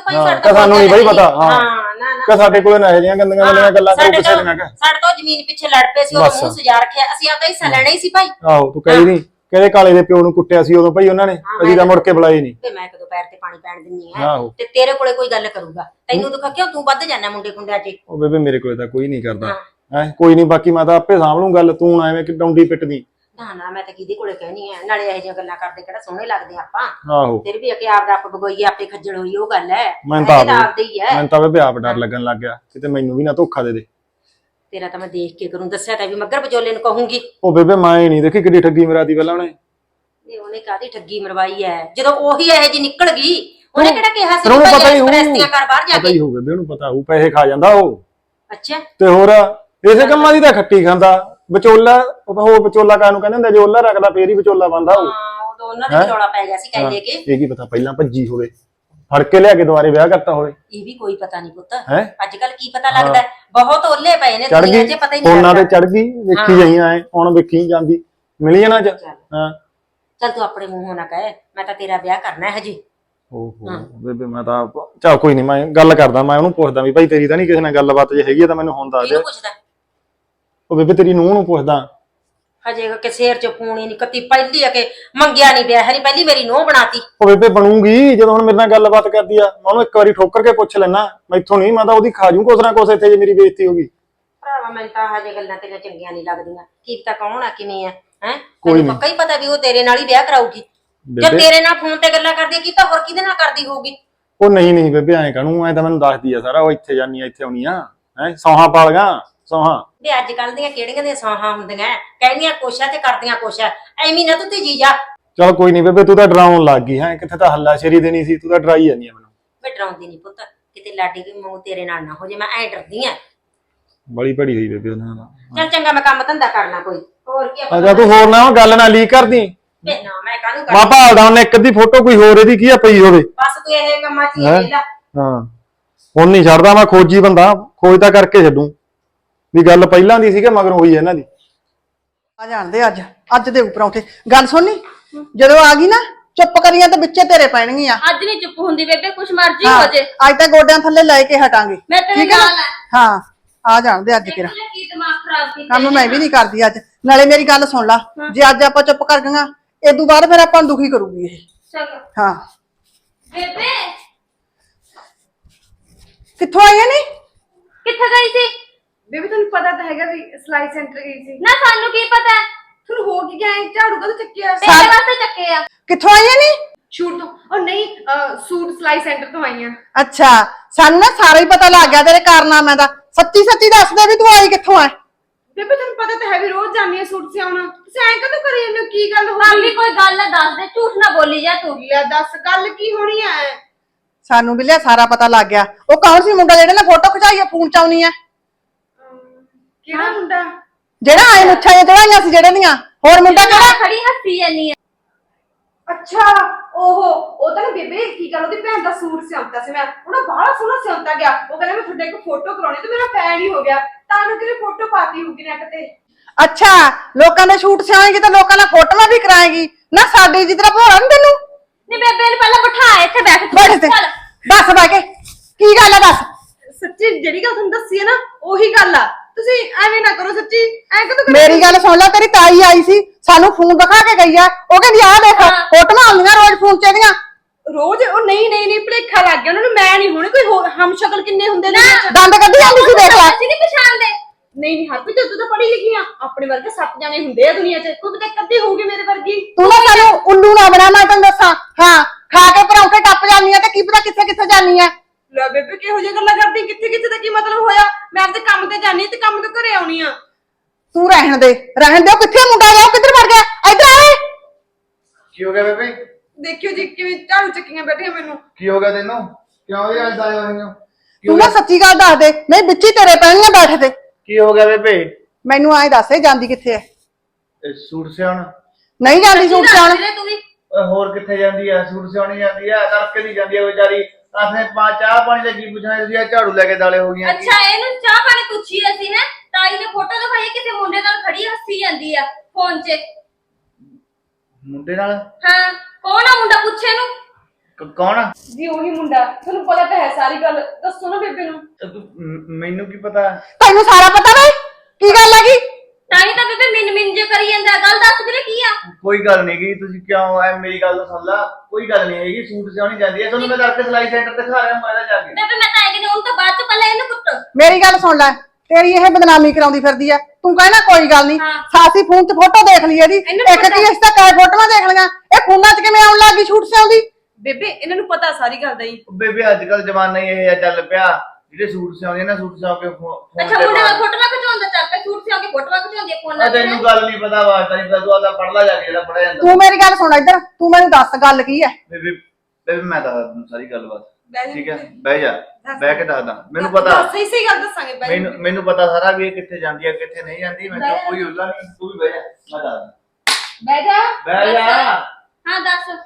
Speaker 5: ਭਾਈ
Speaker 7: ਹਾਂ,
Speaker 5: ਸਾਡੇ
Speaker 7: ਤਾਂ ਸਾਨੂੰ ਨੀ ਬਈ
Speaker 5: ਬੋਲਿਆ
Speaker 7: ਪਤਾ, ਹਾਂ।
Speaker 5: ਨਾ ਨਾ
Speaker 7: ਕਿ ਸਾਡੇ ਕੋਲੇ ਨਾ ਇਹ ਜਿਹੀਆਂ ਗੰਦੀਆਂ ਵਾਲੀਆਂ ਗੱਲਾਂ ਕਰੋ ਕਿਸੇ ਦੇ ਨਾਲ ਕਿ
Speaker 5: ਸਾਡੇ ਤੋਂ ਜ਼ਮੀਨ ਪਿੱਛੇ ਲੜ ਪਏ ਸੀ, ਉਹ
Speaker 7: ਬਸ।
Speaker 5: ਮੂੰਹ ਸੁਜਾ ਰੱਖਿਆ, ਅਸੀਂ ਆਪਦਾ ਹਿੱਸਾ ਲੈਣਾ ਹੀ ਸੀ ਭਾਈ।
Speaker 7: ਆਹੋ ਤੂੰ ਕਹੀ ਨਹੀਂ ਕਿਹੜੇ ਕਾਲੇ ਦੇ ਪਿਓ ਨੂੰ ਕੁੱਟਿਆ ਸੀ ਉਦੋਂ ਭਾਈ ਉਹਨਾਂ ਨੇ, ਅਸੀਂ ਤਾਂ ਮੁੜ ਕੇ ਬੁਲਾਏ ਨਹੀਂ।
Speaker 5: ਤੇ ਮੈਂ ਕਦੋਂ ਪੈਰ ਤੇ ਪਾਣੀ ਪੈਣ ਦਿੰਨੀ ਆ
Speaker 7: ਆਹੋ
Speaker 5: ਤੇ ਤੇਰੇ ਕੋਲੇ ਕੋਈ ਗੱਲ ਕਰੂਗਾ, ਤੈਨੂੰ ਦੁੱਖ ਕਿਉਂ, ਤੂੰ ਵੱਧ ਜਾਣਾ ਮੁੰਡੇ ਕੁੰਡਿਆਂ 'ਚ।
Speaker 7: ਉਹ ਬੇਬੇ ਮੇਰੇ ਕੋਲੇ ਤਾਂ ਕੋਈ ਨਹੀਂ ਕਰਦਾ ਹੈ, ਕੋਈ ਨਹੀਂ, ਬਾਕੀ ਮੈਂ ਤਾਂ ਆਪੇ ਸਾਂਭ ਲੂੰ ਗੱਲ, ਤੂੰ ਨਾ ਐਵੇਂ ਕਿ ਡੌਂਡੀ ਪਿੱਟਦੀ।
Speaker 5: ਨਾ ਨਾ ਮੈਂ ਤਾਂ ਕਿਹਦੇ ਕੋਲੇ ਕਹਿਣੀ ਆ, ਨਾਲੇ ਇਹੋ ਜਿਹੀਆਂ ਗੱਲਾਂ ਕਰਦੇ ਕਿਹੜਾ ਸੋਹਣੇ ਲੱਗਦੇ ਆਪਾਂ।
Speaker 7: ਆਹੋ
Speaker 5: ਫਿਰ ਵੀ ਅਕੇ ਆਪਦਾ ਆਪ ਬਗੋਈਏ ਆਪੇ ਖੱਜਲ ਹੋਈ, ਉਹ ਗੱਲ ਹੈ।
Speaker 7: ਮੈਨੂੰ ਤਾਂ
Speaker 5: ਆਪਦੇ ਹੀ ਹੈ।
Speaker 7: ਮੈਨੂੰ ਤਾਂ ਬੇਬੇ ਆਪ ਡਰ ਲੱਗਣ ਲੱਗ ਗਿਆ ਕਿਤੇ ਮੈਨੂੰ ਵੀ ਨਾ ਧੋਖਾ ਦੇ ਦੇ।
Speaker 5: ਤੇਰਾ ਤਾਂ ਮੈਂ ਦੇਖ ਕੇ ਕਰੂੰ, ਦੱਸਿਆ ਤਾਂ ਵੀ ਮੱਗਰ ਵਿਚੋਲੇ ਨੂੰ ਕਹੂੰਗੀ।
Speaker 7: ਉਹ ਬੇਬੇ ਮੈਂ ਹੀ ਨਹੀਂ ਦੇਖੀ ਕਿੱਡੀ ਠੱਗੀ ਮਰਾਦੀ ਪਹਿਲਾਂ ਉਹਨੇ।
Speaker 5: ਨਹੀਂ ਉਹਨੇ ਕਾਹਦੀ ਠੱਗੀ ਮਰਵਾਈ ਹੈ, ਜਦੋਂ ਉਹੀ ਇਹੋ ਜੀ ਨਿਕਲ ਗਈ, ਉਹਨੇ ਕਿਹੜਾ ਕਿਹਾ ਸੀ
Speaker 7: ਫਿਰ ਉਹਨੂੰ ਪਤਾ ਹੀ ਹੋਊ,
Speaker 5: ਪ੍ਰੈਸਤੀਆਂ ਕਰ ਬਾਹਰ ਜਾ
Speaker 7: ਪਤਾ ਹੀ
Speaker 5: ਕੇ।
Speaker 7: ਹੋਊ ਬੇਬੇ, ਉਹਨੂੰ ਪਤਾ ਹੋਊ ਪੈਸੇ ਖਾ ਜਾਂਦਾ ਉਹ।
Speaker 5: ਅੱਛਾ
Speaker 7: ਤੇ ਹੋਰ ਇਸੇ ਕੰਮਾਂ ਦੀ ਤਾਂ ਖੱਟੀ ਖਾਂਦਾ ਵਿਚੋਲਾ। ਉਹ ਤਾਂ ਹੋਰ ਵਿਚੋਲਾ ਕਾਹਨੂੰ ਕਹਿੰਦੇ ਹੁੰਦੇ, ਜੋਲਾ ਰੱਖਦਾ ਫੇਰ ਹੀ ਵਿਚੋਲਾ ਬਣਦਾ ਉਹ।
Speaker 5: ਹਾਂ ਉਦੋਂ ਉਹਨਾਂ ਦੇ ਰੌਲਾ ਪੈ ਗਿਆ ਸੀ ਕਹਿੰਦੇ ਕਿ
Speaker 7: ਇਹ ਕੀ ਪਤਾ ਪਹਿਲਾਂ ਭੱਜੀ ਹੋਵੇ, ਫੜ ਕੇ ਲਿਆ ਕੇ ਦੁਬਾਰੇ ਵਿਆਹ ਕਰਤਾ ਹੋਵੇ।
Speaker 5: ਇਹ ਵੀ ਕੋਈ ਪਤਾ ਨਹੀਂ ਪੁੱਤ,
Speaker 7: ਹੈਂ?
Speaker 5: ਅੱਜ ਕੱਲ ਕੀ ਪਤਾ ਲੱਗਦਾ ਹੈ, ਬਹੁਤ ਓਲੇ ਪਏ ਨੇ
Speaker 7: ਚੜ
Speaker 5: ਦੁਨੀਆ
Speaker 7: ਗਈ
Speaker 5: 'ਚ, ਪਤਾ ਹੀ ਨਹੀਂ
Speaker 7: ਫੋਨਾਂ ਤੇ
Speaker 5: ਲੱਗਦਾ।
Speaker 7: ਚੜ ਗਈ, ਵੇਖੀ ਜਾਈਆਂ ਐ ਹੁਣ, ਵੇਖੀ ਜਾਂਦੀ ਮਿਲੀ ਜਾਣਾ ਚ। ਹਾਂ
Speaker 5: ਚੱਲ ਤੂੰ ਆਪਣੇ ਮੂੰਹੋਂ ਨਾ ਕਹੇ, ਮੈਂ ਤਾਂ ਤੇਰਾ ਵਿਆਹ ਕਰਨਾ ਹੈ ਹਜੇ।
Speaker 7: ਓਹੋ ਬੇਬੇ ਮੈਂ ਤਾਂ ਚੱਲ ਕੋਈ ਨਹੀਂ, ਮੈਂ ਗੱਲ ਕਰਦਾ, ਮੈਂ ਉਹਨੂੰ ਪੁੱਛਦਾ ਵੀ ਭਾਈ ਤੇਰੀ ਤਾਂ ਨਹੀਂ ਕਿਸੇ ਨਾਲ ਗੱਲਬਾਤ ਜੇ ਹੈਗੀ ਆ ਤਾਂ ਮੈਨੂੰ ਹੁਣ ਦੱਸ ਦੇ।
Speaker 5: ਇਹਨੂੰ ਪੁੱਛਦਾ
Speaker 7: ਉਹ ਬੇਬੇ ਤੇਰੀ ਨੂੰਹ ਨੂੰ ਪੁੱਛਦਾ।
Speaker 5: ਹਜੇ ਕਿ ਸਿਰ 'ਚ ਪੂਣੀ ਨਹੀਂ ਕੱਤੀ, ਪਹਿਲੀ ਆ ਕਿ ਮੰਗਿਆ ਨਹੀਂ ਵਿਆਹ ਨਹੀਂ, ਪਹਿਲੀ ਮੇਰੀ ਨੂੰਹ ਬਣਾਤੀ।
Speaker 7: ਉਹ ਬੇਬੇ ਬਣੂਗੀ ਜਦੋਂ ਹੁਣ ਮੇਰੇ ਨਾਲ ਗੱਲਬਾਤ ਕਰਦੀ ਆ, ਮੈਂ ਉਹਨੂੰ ਇੱਕ ਵਾਰੀ ਠੋਕਰ ਕੇ ਪੁੱਛ ਲੈਣਾ, ਮੈਥੋਂ ਨਹੀਂ, ਮੈਂ ਤਾਂ ਉਹਦੀ ਖਾ ਜੂ ਕੁਛ ਨਾ ਕੁਛ ਇੱਥੇ ਜੇ ਮੇਰੀ ਬੇਇੱਜ਼ਤੀ ਹੋਗੀ।
Speaker 5: ਭਰਾਵਾ ਮੈਨੂੰ ਤਾਂ ਹਜੇ ਗੱਲਾਂ ਤੇਰੀਆਂ ਚੰਗੀਆਂ ਨਹੀਂ ਲੱਗਦੀਆਂ, ਕੀ ਪਤਾ ਕੌਣ ਆ ਕਿਵੇਂ ਆ ਹੈ,
Speaker 7: ਕੋਈ
Speaker 5: ਮੈਨੂੰ
Speaker 7: ਨੀ।
Speaker 5: ਪੱਕਾ ਹੀ ਪਤਾ ਵੀ ਉਹ ਤੇਰੇ ਨਾਲ ਹੀ ਵਿਆਹ ਕਰਾਊਗੀ। ਜੇ
Speaker 7: ਬੇਬੇ
Speaker 5: ਤੇਰੇ ਨਾਲ ਫੋਨ ਤੇ ਗੱਲਾਂ ਕਰਦੀ ਆ, ਕੀ ਤਾਂ ਹੋਰ ਕਿਹਦੇ ਨਾਲ ਕਰਦੀ ਹੋਊਗੀ।
Speaker 7: ਉਹ ਨਹੀਂ ਬੇਬੇ ਐਂ ਕਾਹਨੂੰ, ਐਂ ਤਾਂ ਮੈਨੂੰ ਦੱਸਦੀ ਆ ਸਾਰਾ, ਉਹ ਇੱਥੇ ਜਾਨੀ ਆ ਇੱਥੇ ਆਉਣੀ ਆ, ਹੈ ਸੌਹਾਂ ਪਾਲਗਾ ਸੌਹਾਂ।
Speaker 5: ਵੀ ਅੱਜ ਕੱਲ ਦੀਆਂ ਕਿਹੜੀਆਂ ਦੀਆਂ ਸੌਹਾਂ ਹੁੰਦੀਆਂ, ਕਹਿੰਦੀਆਂ ਕੁਛ ਆ ਤੇ ਕਰਦੀਆਂ ਕੁਛ ਆ, ਐਵੇਂ ਨਾ ਤੂੰ ਤੇ ਜੀ ਜਾ।
Speaker 7: ਚਲ ਕੋਈ ਨਹੀਂ ਬੇਬੇ, ਤੂੰ ਤਾਂ ਡਰਾਉਣ ਲੱਗ ਗਈ ਹੈ, ਕਿੱਥੇ ਤਾਂ ਹੱਲਾ ਸ਼ੇਰੀ ਦੇਣੀ ਸੀ, ਤੂੰ ਤਾਂ ਡਰਾਈ ਜਾਂਦੀ ਆ ਮੈਨੂੰ।
Speaker 5: ਮੈਂ ਡਰਾਉਂਦੀ ਨਹੀਂ ਪੁੱਤ, ਕਿਤੇ ਲਾਡੀ ਦੀ ਮੂੰਹ ਤੇਰੇ ਨਾਲ ਨਾ ਹੋ ਜੇ, ਮੈਂ ਐ ਡਰਦੀ ਆ।
Speaker 7: ਬੜੀ ਭੜੀ ਹੋਈ ਬੇਬੇ ਉਹਨਾਂ ਨਾਲ।
Speaker 5: ਚੱਲ ਚੰਗਾ, ਮੈਂ ਕੰਮ ਧੰਦਾ ਕਰਨਾ ਕੋਈ ਹੋਰ ਕੀ
Speaker 7: ਅੱਛਾ ਤੂੰ ਹੋਰ ਨਾ ਗੱਲ ਨਾ ਲੀਕ ਕਰਦੀ,
Speaker 5: ਵੇ ਨਾ ਮੈਂ ਕਾਹਨੂੰ
Speaker 7: ਮੈਂ
Speaker 5: ਕਰ,
Speaker 7: ਭਾਲਦਾ ਉਹਨੇ ਇੱਕ ਅੱਧੀ ਫੋਟੋ ਕੋਈ ਹੋਰ ਇਹਦੀ ਕੀ ਆ ਪਈ ਹੋਵੇ।
Speaker 5: ਬਸ ਤੂੰ ਇਹ ਕੰਮਾਂ 'ਚ ਹੀ
Speaker 7: ਹੈਂ?
Speaker 5: ਵੇਲਾ।
Speaker 7: ਹਾਂ ਹੁਣ ਨਹੀਂ ਛੱਡਦਾ, ਮੈਂ ਖੋਜੀ ਬੰਦਾ, ਖੋਜ ਤਾਂ ਕਰਕੇ ਛੱਡੂ ਵੀ ਗੱਲ ਪਹਿਲਾਂ ਦੀ ਸੀ ਕਿ ਮਗਰੋਂ ਹੋਈ ਇਹਨਾਂ ਦੀ।
Speaker 2: ਆ ਜਾਣਦੇ ਅੱਜ ਦੇ ਉੱਪਰ ਉਠੇ ਗੱਲ ਸੁਣਨੀ, ਜਦੋਂ ਆ ਗਈ ਨਾ ਚੁੱਪ ਕਰੀਆਂ ਤੇ ਵਿੱਚੇ ਤੇਰੇ ਪੈਣਗੀਆਂ।
Speaker 8: ਅੱਜ ਨਹੀਂ ਚੁੱਪ ਹੁੰਦੀ ਬੇਬੇ, ਕੁਛ ਮਰਜ਼ੀ
Speaker 2: ਹਾਂ,
Speaker 8: ਹੋ ਜੇ।
Speaker 2: ਅੱਜ ਤਾਂ ਗੋਡਿਆਂ ਥੱਲੇ ਲੈ ਕੇ ਹਟਾਂਗੇ।
Speaker 8: ਮੈਂ ਤੇਰੇ
Speaker 2: ਠੀਕ ਹੈ ਨਾ?
Speaker 8: ਨਾਲ ਆ।
Speaker 2: ਹਾਂ ਆ ਜਾਣਦੇ ਅੱਜ ਕਿਰਾ
Speaker 8: ਕੀ ਦਿਮਾਗ ਖਰਾਬ ਕੀਤਾ
Speaker 2: ਕੰਮ ਮੈਂ ਵੀ ਨਹੀਂ ਕਰਦੀ ਅੱਜ। ਨਾਲੇ ਮੇਰੀ ਗੱਲ ਸੁਣ ਲਾ, ਜੇ ਅੱਜ ਆਪਾਂ ਚੁੱਪ ਕਰ ਗਈਆਂ ਇਦੋਂ ਬਾਅਦ ਫਿਰ ਆਪਾਂ ਨੂੰ ਦੁਖੀ ਕਰੂਗੀ ਇਹ।
Speaker 8: ਚਲੋ
Speaker 2: ਹਾਂ
Speaker 8: ਬੇਬੇ
Speaker 2: ਕਿੱਥੋਂ ਆਈਆਂ ਨੀ?
Speaker 8: ਕਿੱਥੇ ਗਈ ਸੀ?
Speaker 1: ਬੇਬੀ ਤੁਹਾਨੂੰ ਪਤਾ ਤਾਂ ਹੈਗਾ ਵੀ ਸਿਲਾਈ ਸੈਂਟਰ ਗਈ ਸੀ।
Speaker 8: ਨਾ ਸਾਨੂੰ ਕੀ ਪਤਾ,
Speaker 1: ਤੁਹਾਨੂੰ ਹੋ ਕੀ ਗਿਆ, ਝਾੜੂ ਕਦੋਂ ਚੱਕਿਆ?
Speaker 8: ਤੇਰੇ ਵਾਸਤੇ ਚੱਕੇ ਆ।
Speaker 2: ਕਿੱਥੋਂ ਆਈਆਂ ਨੀ?
Speaker 1: ਸ਼ੂਟ ਤੋਂ, ਉਹ ਨਹੀਂ ਸੂਟ ਸਿਲਾਈ ਸੈਂਟਰ ਤੋਂ ਆਈਆਂ।
Speaker 2: ਅੱਛਾ ਸਾਨੂੰ ਨਾ ਸਾਰਾ ਹੀ ਪਤਾ ਲੱਗ ਗਿਆ ਤੇਰੇ ਕਾਰਨਾਮਿਆਂ ਦਾ। ਸੱਚੀ ਸੱਚੀ ਦੱਸ ਦੇ ਵੀ ਤੂੰ ਆਈ ਕਿੱਥੋਂ ਆ?
Speaker 1: ਬੇਬੇ ਤੁਹਾਨੂੰ ਪਤਾ ਤਾਂ ਹੈ ਵੀ ਰੋਜ਼ ਜਾਂਦੀ ਆ ਸੂਟ ਸਿਆਉਣਾ, ਤੁਸੀਂ ਐਂ ਕਦੋਂ ਕਰੀ ਜਾਂਦੇ ਹੋ? ਕੀ ਗੱਲ ਹੋ
Speaker 8: ਭਾਬੀ ਕੋਈ ਗੱਲ ਨਾ ਦੱਸ ਦੇ, ਝੂਠ ਨਾ ਬੋਲੀ ਜਾ ਤੂੰ।
Speaker 1: ਲੈ ਦੱਸ ਗੱਲ ਕੀ ਹੋਣੀ ਐ?
Speaker 2: ਸਾਨੂੰ ਵੀ ਲਿਆ ਸਾਰਾ ਪਤਾ ਲੱਗ ਗਿਆ। ਉਹ ਕੌਣ ਸੀ ਮੁੰਡਾ ਜਿਹੜੇ ਨੇ ਫੋਟੋ ਖਿਚਾਈ ਆ ਫੋਨ ਚ ਆਉਣੀ ਆ?
Speaker 1: ਕਿਹੜਾ ਮੁੰਡਾ?
Speaker 2: ਜਿਹੜਾ ਆਏ ਮੁੱਛਾਂ ਜਿਹੀਆਂ ਚੜਾਈਆਂ ਸੀ ਜਿਹੜੇ ਦੀਆਂ। ਹੋਰ ਮੁੰਡਾ ਕਿਹੜਾ?
Speaker 8: ਖੜੀ ਹੱਸੀ ਜਾਨੀ ਆ।
Speaker 1: ਅੱਛਾ ਉਹ ਤਾਂ ਨਾ ਬੇਬੇ ਕੀ ਗੱਲ, ਉਹਦੀ ਭੈਣ ਦਾ ਸੂਟ ਸਿਉਂਤਾ ਸੀ, ਮੈਂ ਉਹਦਾ ਬਾਹਲਾ ਸੋਹਣਾ ਸਿਉਂਤਾ ਗਿਆ। ਉਹ ਕਹਿੰਦਾ ਮੈਂ ਤੁਹਾਡੇ ਇੱਕ ਫੋਟੋ ਕਰਾਉਣੀ, ਤੇ ਮੇਰਾ ਫੈਨ ਹੀ ਹੋ ਗਿਆ, ਤਾਂ ਮੈਂ ਕਿਹੜੀ ਫੋਟੋ ਪਾਤੀ ਹੋਊਗੀ ਨੈਟ ਤੇ।
Speaker 2: ਅੱਛਾ ਲੋਕਾਂ ਦੇ ਸ਼ੂਟ ਸਿਆਏਗੀ ਤਾਂ ਲੋਕਾਂ ਨਾਲ ਫੋਟੋਆਂ ਵੀ ਕਰਾਏਗੀ ਨਾ, ਸਾਡੀ ਜਿੱਦਾਂ ਭੋਰਾ ਨੀ ਤੈਨੂੰ।
Speaker 8: ਨੀ ਬੇਬੇ ਨੂੰ ਪਹਿਲਾਂ ਬਿਠਾ ਇੱਥੇ ਬੈਠ ਤੂੰ।
Speaker 2: ਬੈਠ ਤੇ
Speaker 8: ਚੱਲ
Speaker 2: ਦੱਸ ਬੈ ਕੇ ਕੀ ਗੱਲ ਆ ਦੱਸ।
Speaker 1: ਸੱਚੀ ਜਿਹੜੀ ਗੱਲ ਤੁਹਾਨੂੰ ਦੱਸੀ ਹੈ ਨਾ ਉਹੀ ਗੱਲ ਆ, ਤੁਸੀਂ ਐਵੇਂ ਨਾ ਕਰੋ। ਸੱਚੀ ਐਂ ਕਦੋਂ
Speaker 2: ਮੇਰੀ ਗੱਲ ਸੁਣ ਲੈ, ਤੇਰੀ ਤਾਈ ਆਈ ਸੀ ਸਾਨੂੰ ਫੋਨ ਦਿਖਾ ਕੇ ਗਈ ਆ। ਉਹ ਕਹਿੰਦੀ ਆਹ ਦੇਖ ਫੋਟੋਆਂ ਆਉਂਦੀਆਂ ਰੋਜ਼ ਫੋਨ ਚ ਇਹਦੀਆਂ।
Speaker 1: ਰੋਜ਼ ਉਹ ਨਹੀਂ ਭੁਲੇਖਾ ਲੱਗ ਗਿਆ ਉਹਨਾਂ ਨੂੰ, ਮੈਂ ਨਹੀਂ ਹੋਣੀ ਕੋਈ ਹੋਰ। ਹਮਸ਼ਕਲ ਕਿੰਨੇ ਹੁੰਦੇ ਨੇ।
Speaker 2: ਦੰਦ ਕੱਢੀ ਜਾਂਦੀ ਸੀ ਦੇਖ ਲੈ।
Speaker 8: ਅਸੀਂ ਨਹੀਂ ਪਛਾਣਦੇ।
Speaker 1: ਨਹੀਂ ਹਰਪ੍ਰੀਤ ਤੂੰ ਤਾਂ ਪੜ੍ਹੀ ਲਿਖੀ ਆ, ਆਪਣੇ ਵਰਗੇ 7 ਜਾਣੇ ਹੁੰਦੇ ਆ ਦੁਨੀਆ 'ਚ, ਕੋਈ ਤਾਂ ਕੱਦੀ ਹੋਊਗੀ ਮੇਰੇ ਵਰਗੀ।
Speaker 2: ਤੂੰ ਨਾ ਸਾਨੂੰ ਉੱਲੂ ਨਾ ਬਣਾ, ਮੈਂ ਤੈਨੂੰ ਦੱਸਾਂ। ਹਾਂ ਖਾ ਕੇ ਪਰੌਂਠੇ ਟੱਪ ਜਾਂਦੀ ਆ ਤੇ ਕੀ ਪਤਾ ਕਿੱਥੇ ਕਿੱਥੇ ਜਾਂਦੀ ਆ।
Speaker 1: ਲੈ ਬੇਬੇ ਕਿਹੋ ਜਿਹੀ ਗੱਲਾਂ ਕਰਦੀ, ਕਿੱਥੇ ਦਾ ਕੀ ਮਤਲਬ ਹੋਇਆ? ਮੈਂ ਆਪਦੇ ਕੰਮ ਤੇ ਜਾਣੀ ਤੇ ਕੰਮ ਤੋਂ ਘਰੇ ਆਉਣੀ ਆ।
Speaker 2: ਤੂੰ ਰਹਿਣ ਦੇ ਉਹ ਕਿੱਥੇ ਮੁੰਡਾ ਗਿਆ, ਉਹ ਕਿੱਧਰ ਵੜ ਗਿਆ? ਇੱਧਰ ਆਵੇ।
Speaker 3: ਕੀ ਹੋ ਗਿਆ ਬੇਬੇ?
Speaker 1: ਦੇਖਿਓ ਜੀ ਕਿਵੇਂ ਝਾੜੂ ਚੱਕੀਆਂ ਬੈਠੀਆਂ ਮੈਨੂੰ।
Speaker 3: ਕੀ ਹੋ ਗਿਆ ਤੈਨੂੰ? ਕਿਉਂ ਇਹ ਅੱਜ ਆਏ ਹੋਏ ਹੋ?
Speaker 2: ਤੂੰ ਨਾ ਸੱਚੀ ਗੱਲ ਦੱਸ ਦੇ, ਨਹੀਂ ਵਿੱਚੀ ਤੇਰੇ ਪੈਣੀਆਂ ਬੈਠ ਤੇ।
Speaker 3: ਕੀ ਹੋ ਗਿਆ ਬੇਬੇ?
Speaker 2: ਮੈਨੂੰ ਐਂ ਦੱਸ ਇਹ ਜਾਂਦੀ ਕਿੱਥੇ ਐ?
Speaker 3: ਇਹ ਸੂਟ ਸਿਉਣ?
Speaker 2: ਨਹੀਂ ਜਾਂਦੀ ਸੂਟ ਸਿਆਉਣ।
Speaker 8: ਤੂੰ ਵੀ
Speaker 3: ਓਏ ਹੋਰ ਕਿੱਥੇ ਜਾਂਦੀ ਆ? ਸੂਟ ਸਿਉਣੀ ਜਾਂਦੀ ਆ, ਤੜਕੇ ਦੀ ਜਾਂਦੀ ਆ ਵਿਚਾਰੀ। ਆਖੇ ਚਾਹ ਪਾਣੀ ਦਾ ਕੀ ਪੁੱਛਣਾ, ਤੁਸੀਂ ਆ ਝਾੜੂ ਲੈ ਕੇ ਦਾਲੇ ਹੋ ਗਈਆਂ ਜੀ।
Speaker 8: ਅੱਛਾ ਇਹਨੂੰ ਚਾਹ ਪਾਣੀ ਪੁੱਛੀ ਅਸੀਂ ਹੈ, ਤਾਈ ਨੇ ਫੋਟੋ ਦਿਖਾਈ ਕਿਸੇ ਮੁੰਡੇ ਨਾਲ ਖੜੀ ਹੱਸੀ ਜਾਂਦੀ ਆ ਫੋਨ 'ਚ।
Speaker 3: ਮੁੰਡੇ ਨਾਲ?
Speaker 8: ਹਾਂ ਕੌਣ ਆ ਮੁੰਡਾ, ਪੁੱਛੇ ਇਹਨੂੰ।
Speaker 3: ਕੌਣ ਆ?
Speaker 1: ਜੀ ਉਹੀ ਮੁੰਡਾ, ਤੁਹਾਨੂੰ ਪਤਾ ਤਾਂ ਹੈ ਸਾਰੀ ਗੱਲ, ਦੱਸੋ ਨਾ ਬੇਬੇ ਨੂੰ।
Speaker 3: ਮੈਨੂੰ ਕੀ ਪਤਾ?
Speaker 2: ਤੈਨੂੰ ਸਾਰਾ ਪਤਾ ਵੇ ਕੀ ਗੱਲ ਹੈਗੀ?
Speaker 8: ਤਾਂ ਹੀ ਤਾਂ ਬੇਬੇ ਮਿੰਨ ਜੇ ਕਰੀ ਜਾਂਦਾ। ਗੱਲ ਦੱਸ ਵੀਰੇ ਕੀ ਆ?
Speaker 3: ਕੋਈ ਗੱਲ ਨਹੀਂ ਗੀ, ਤੁਸੀਂ ਕਿਉਂ ਐ ਮੇਰੀ ਗੱਲ ਦਾ ਸੁਣ ਲਾ। ਕੋਈ ਗੱਲ ਨਹੀਂ ਹੈਗੀ, ਸੂਟ ਸਿਉਣੀ ਜਾਂਦੀ ਹੈ। ਤੁਹਾਨੂੰ ਮੈਂ ਦੱਸ ਕੇ ਸਿਲਾਈ ਸੈਂਟਰ ਤੇ ਖਾ ਰਿਹਾ ਮੈਂ ਜਾ ਕੇ।
Speaker 8: ਬੇਬੇ ਮੈਂ ਤਾਂ ਕਹਿੰਦੀ ਹੁਣ ਤਾਂ ਬਾਅਦ ਚ ਪਹਿਲਾਂ ਇਹਨੂੰ ਕੁੱਟ।
Speaker 2: ਮੇਰੀ ਗੱਲ ਸੁਣ ਲੈ, ਤੇਰੀ ਇਹ ਬਦਨਾਮੀ ਕਰਾਉਂਦੀ ਫਿਰਦੀ ਆ। ਤੂੰ ਕਹਿਣਾ ਕੋਈ ਗੱਲ ਨਹੀਂ, ਸਾਸੀ ਫੋਨ 'ਚ ਫੋਟੋ ਦੇਖ ਲਈ ਇਹਦੀ, ਇੱਕ ਕੀ ਇਸ ਤਾਂ ਕਈ ਫੋਟੋਆਂ ਦੇਖ ਲਈਆਂ। ਇਹ ਫੋਨਾਂ 'ਚ ਕਿਵੇਂ ਆਉਣ ਲੱਗੀ ਛੂਟ ਸਿਆਉਂਦੀ?
Speaker 1: ਬੇਬੇ ਇਹਨਾਂ ਨੂੰ ਪਤਾ ਸਾਰੀ ਗੱਲ ਦਾ ਹੀ।
Speaker 3: ਬੇਬੇ ਅੱਜ ਕੱਲ ਜ਼ਮਾਨਾ ਹੀ ਇਹ ਚੱਲ ਪਿਆ, ਜਿਹੜੇ ਸੂਟ ਸਿਆਉਂਦੇ ਨਾ ਸੂਟ ਸਿਆ ਕੇ ਫੋਨ
Speaker 8: ਅੱਛਾ ਮੁੰਡੇ ਦਾ ਫੋਟੋਆਂ ਖਿਚਾਉਂਦਾ ਚੱਲ ਪਏ, ਸੂਟ ਸਿਆ ਕੇ ਫੋਟੋਆਂ ਖਿਚਾਉਂਦੀ ਆ ਫੋਨਾਂ ਤੇ।
Speaker 3: ਤੈਨੂੰ ਗੱਲ ਨਹੀਂ ਪਤਾ, ਵਾਸਤਾ ਨਹੀਂ ਪਤਾ, ਤੂੰ ਆਦਾ ਪੜ ਲਾ ਜਾ ਕੇ ਜਿਹੜਾ ਪੜਿਆ ਜਾਂਦਾ।
Speaker 2: ਤੂੰ ਮੇਰੀ ਗੱਲ ਸੁਣ ਇੱਧਰ, ਤੂੰ ਮੈਨੂੰ ਦੱਸ ਗੱਲ ਕੀ ਹੈ?
Speaker 3: ਬੇਬੇ ਮੈਂ ਦੱਸਦਾ ਤੈਨੂੰ ਸਾਰੀ ਗੱਲਬਾਤ, ਠੀਕ ਹੈ? ਬਹਿ ਜਾ, ਬਹਿ ਕੇ ਦੱਸਦਾ। ਮੈਨੂੰ ਪਤਾ,
Speaker 1: ਸਹੀ ਗੱਲ ਦੱਸਾਂਗੇ।
Speaker 3: ਮੈਨੂੰ ਪਤਾ ਸਾਰਾ ਵੀ ਇਹ ਕਿੱਥੇ ਜਾਂਦੀ ਹੈ ਕਿੱਥੇ ਨਹੀਂ ਜਾਂਦੀ। ਮੈਂ ਕਿਹਾ ਕੋਈ ਹੁੱਲਾ ਨਹੀਂ, ਤੂੰ ਵੀ ਬਹਿ ਜਾ, ਮੈਂ ਦੱਸਦਾ। ਬਹਿ ਜਾ।
Speaker 8: ਹਾਂ ਦੱਸ।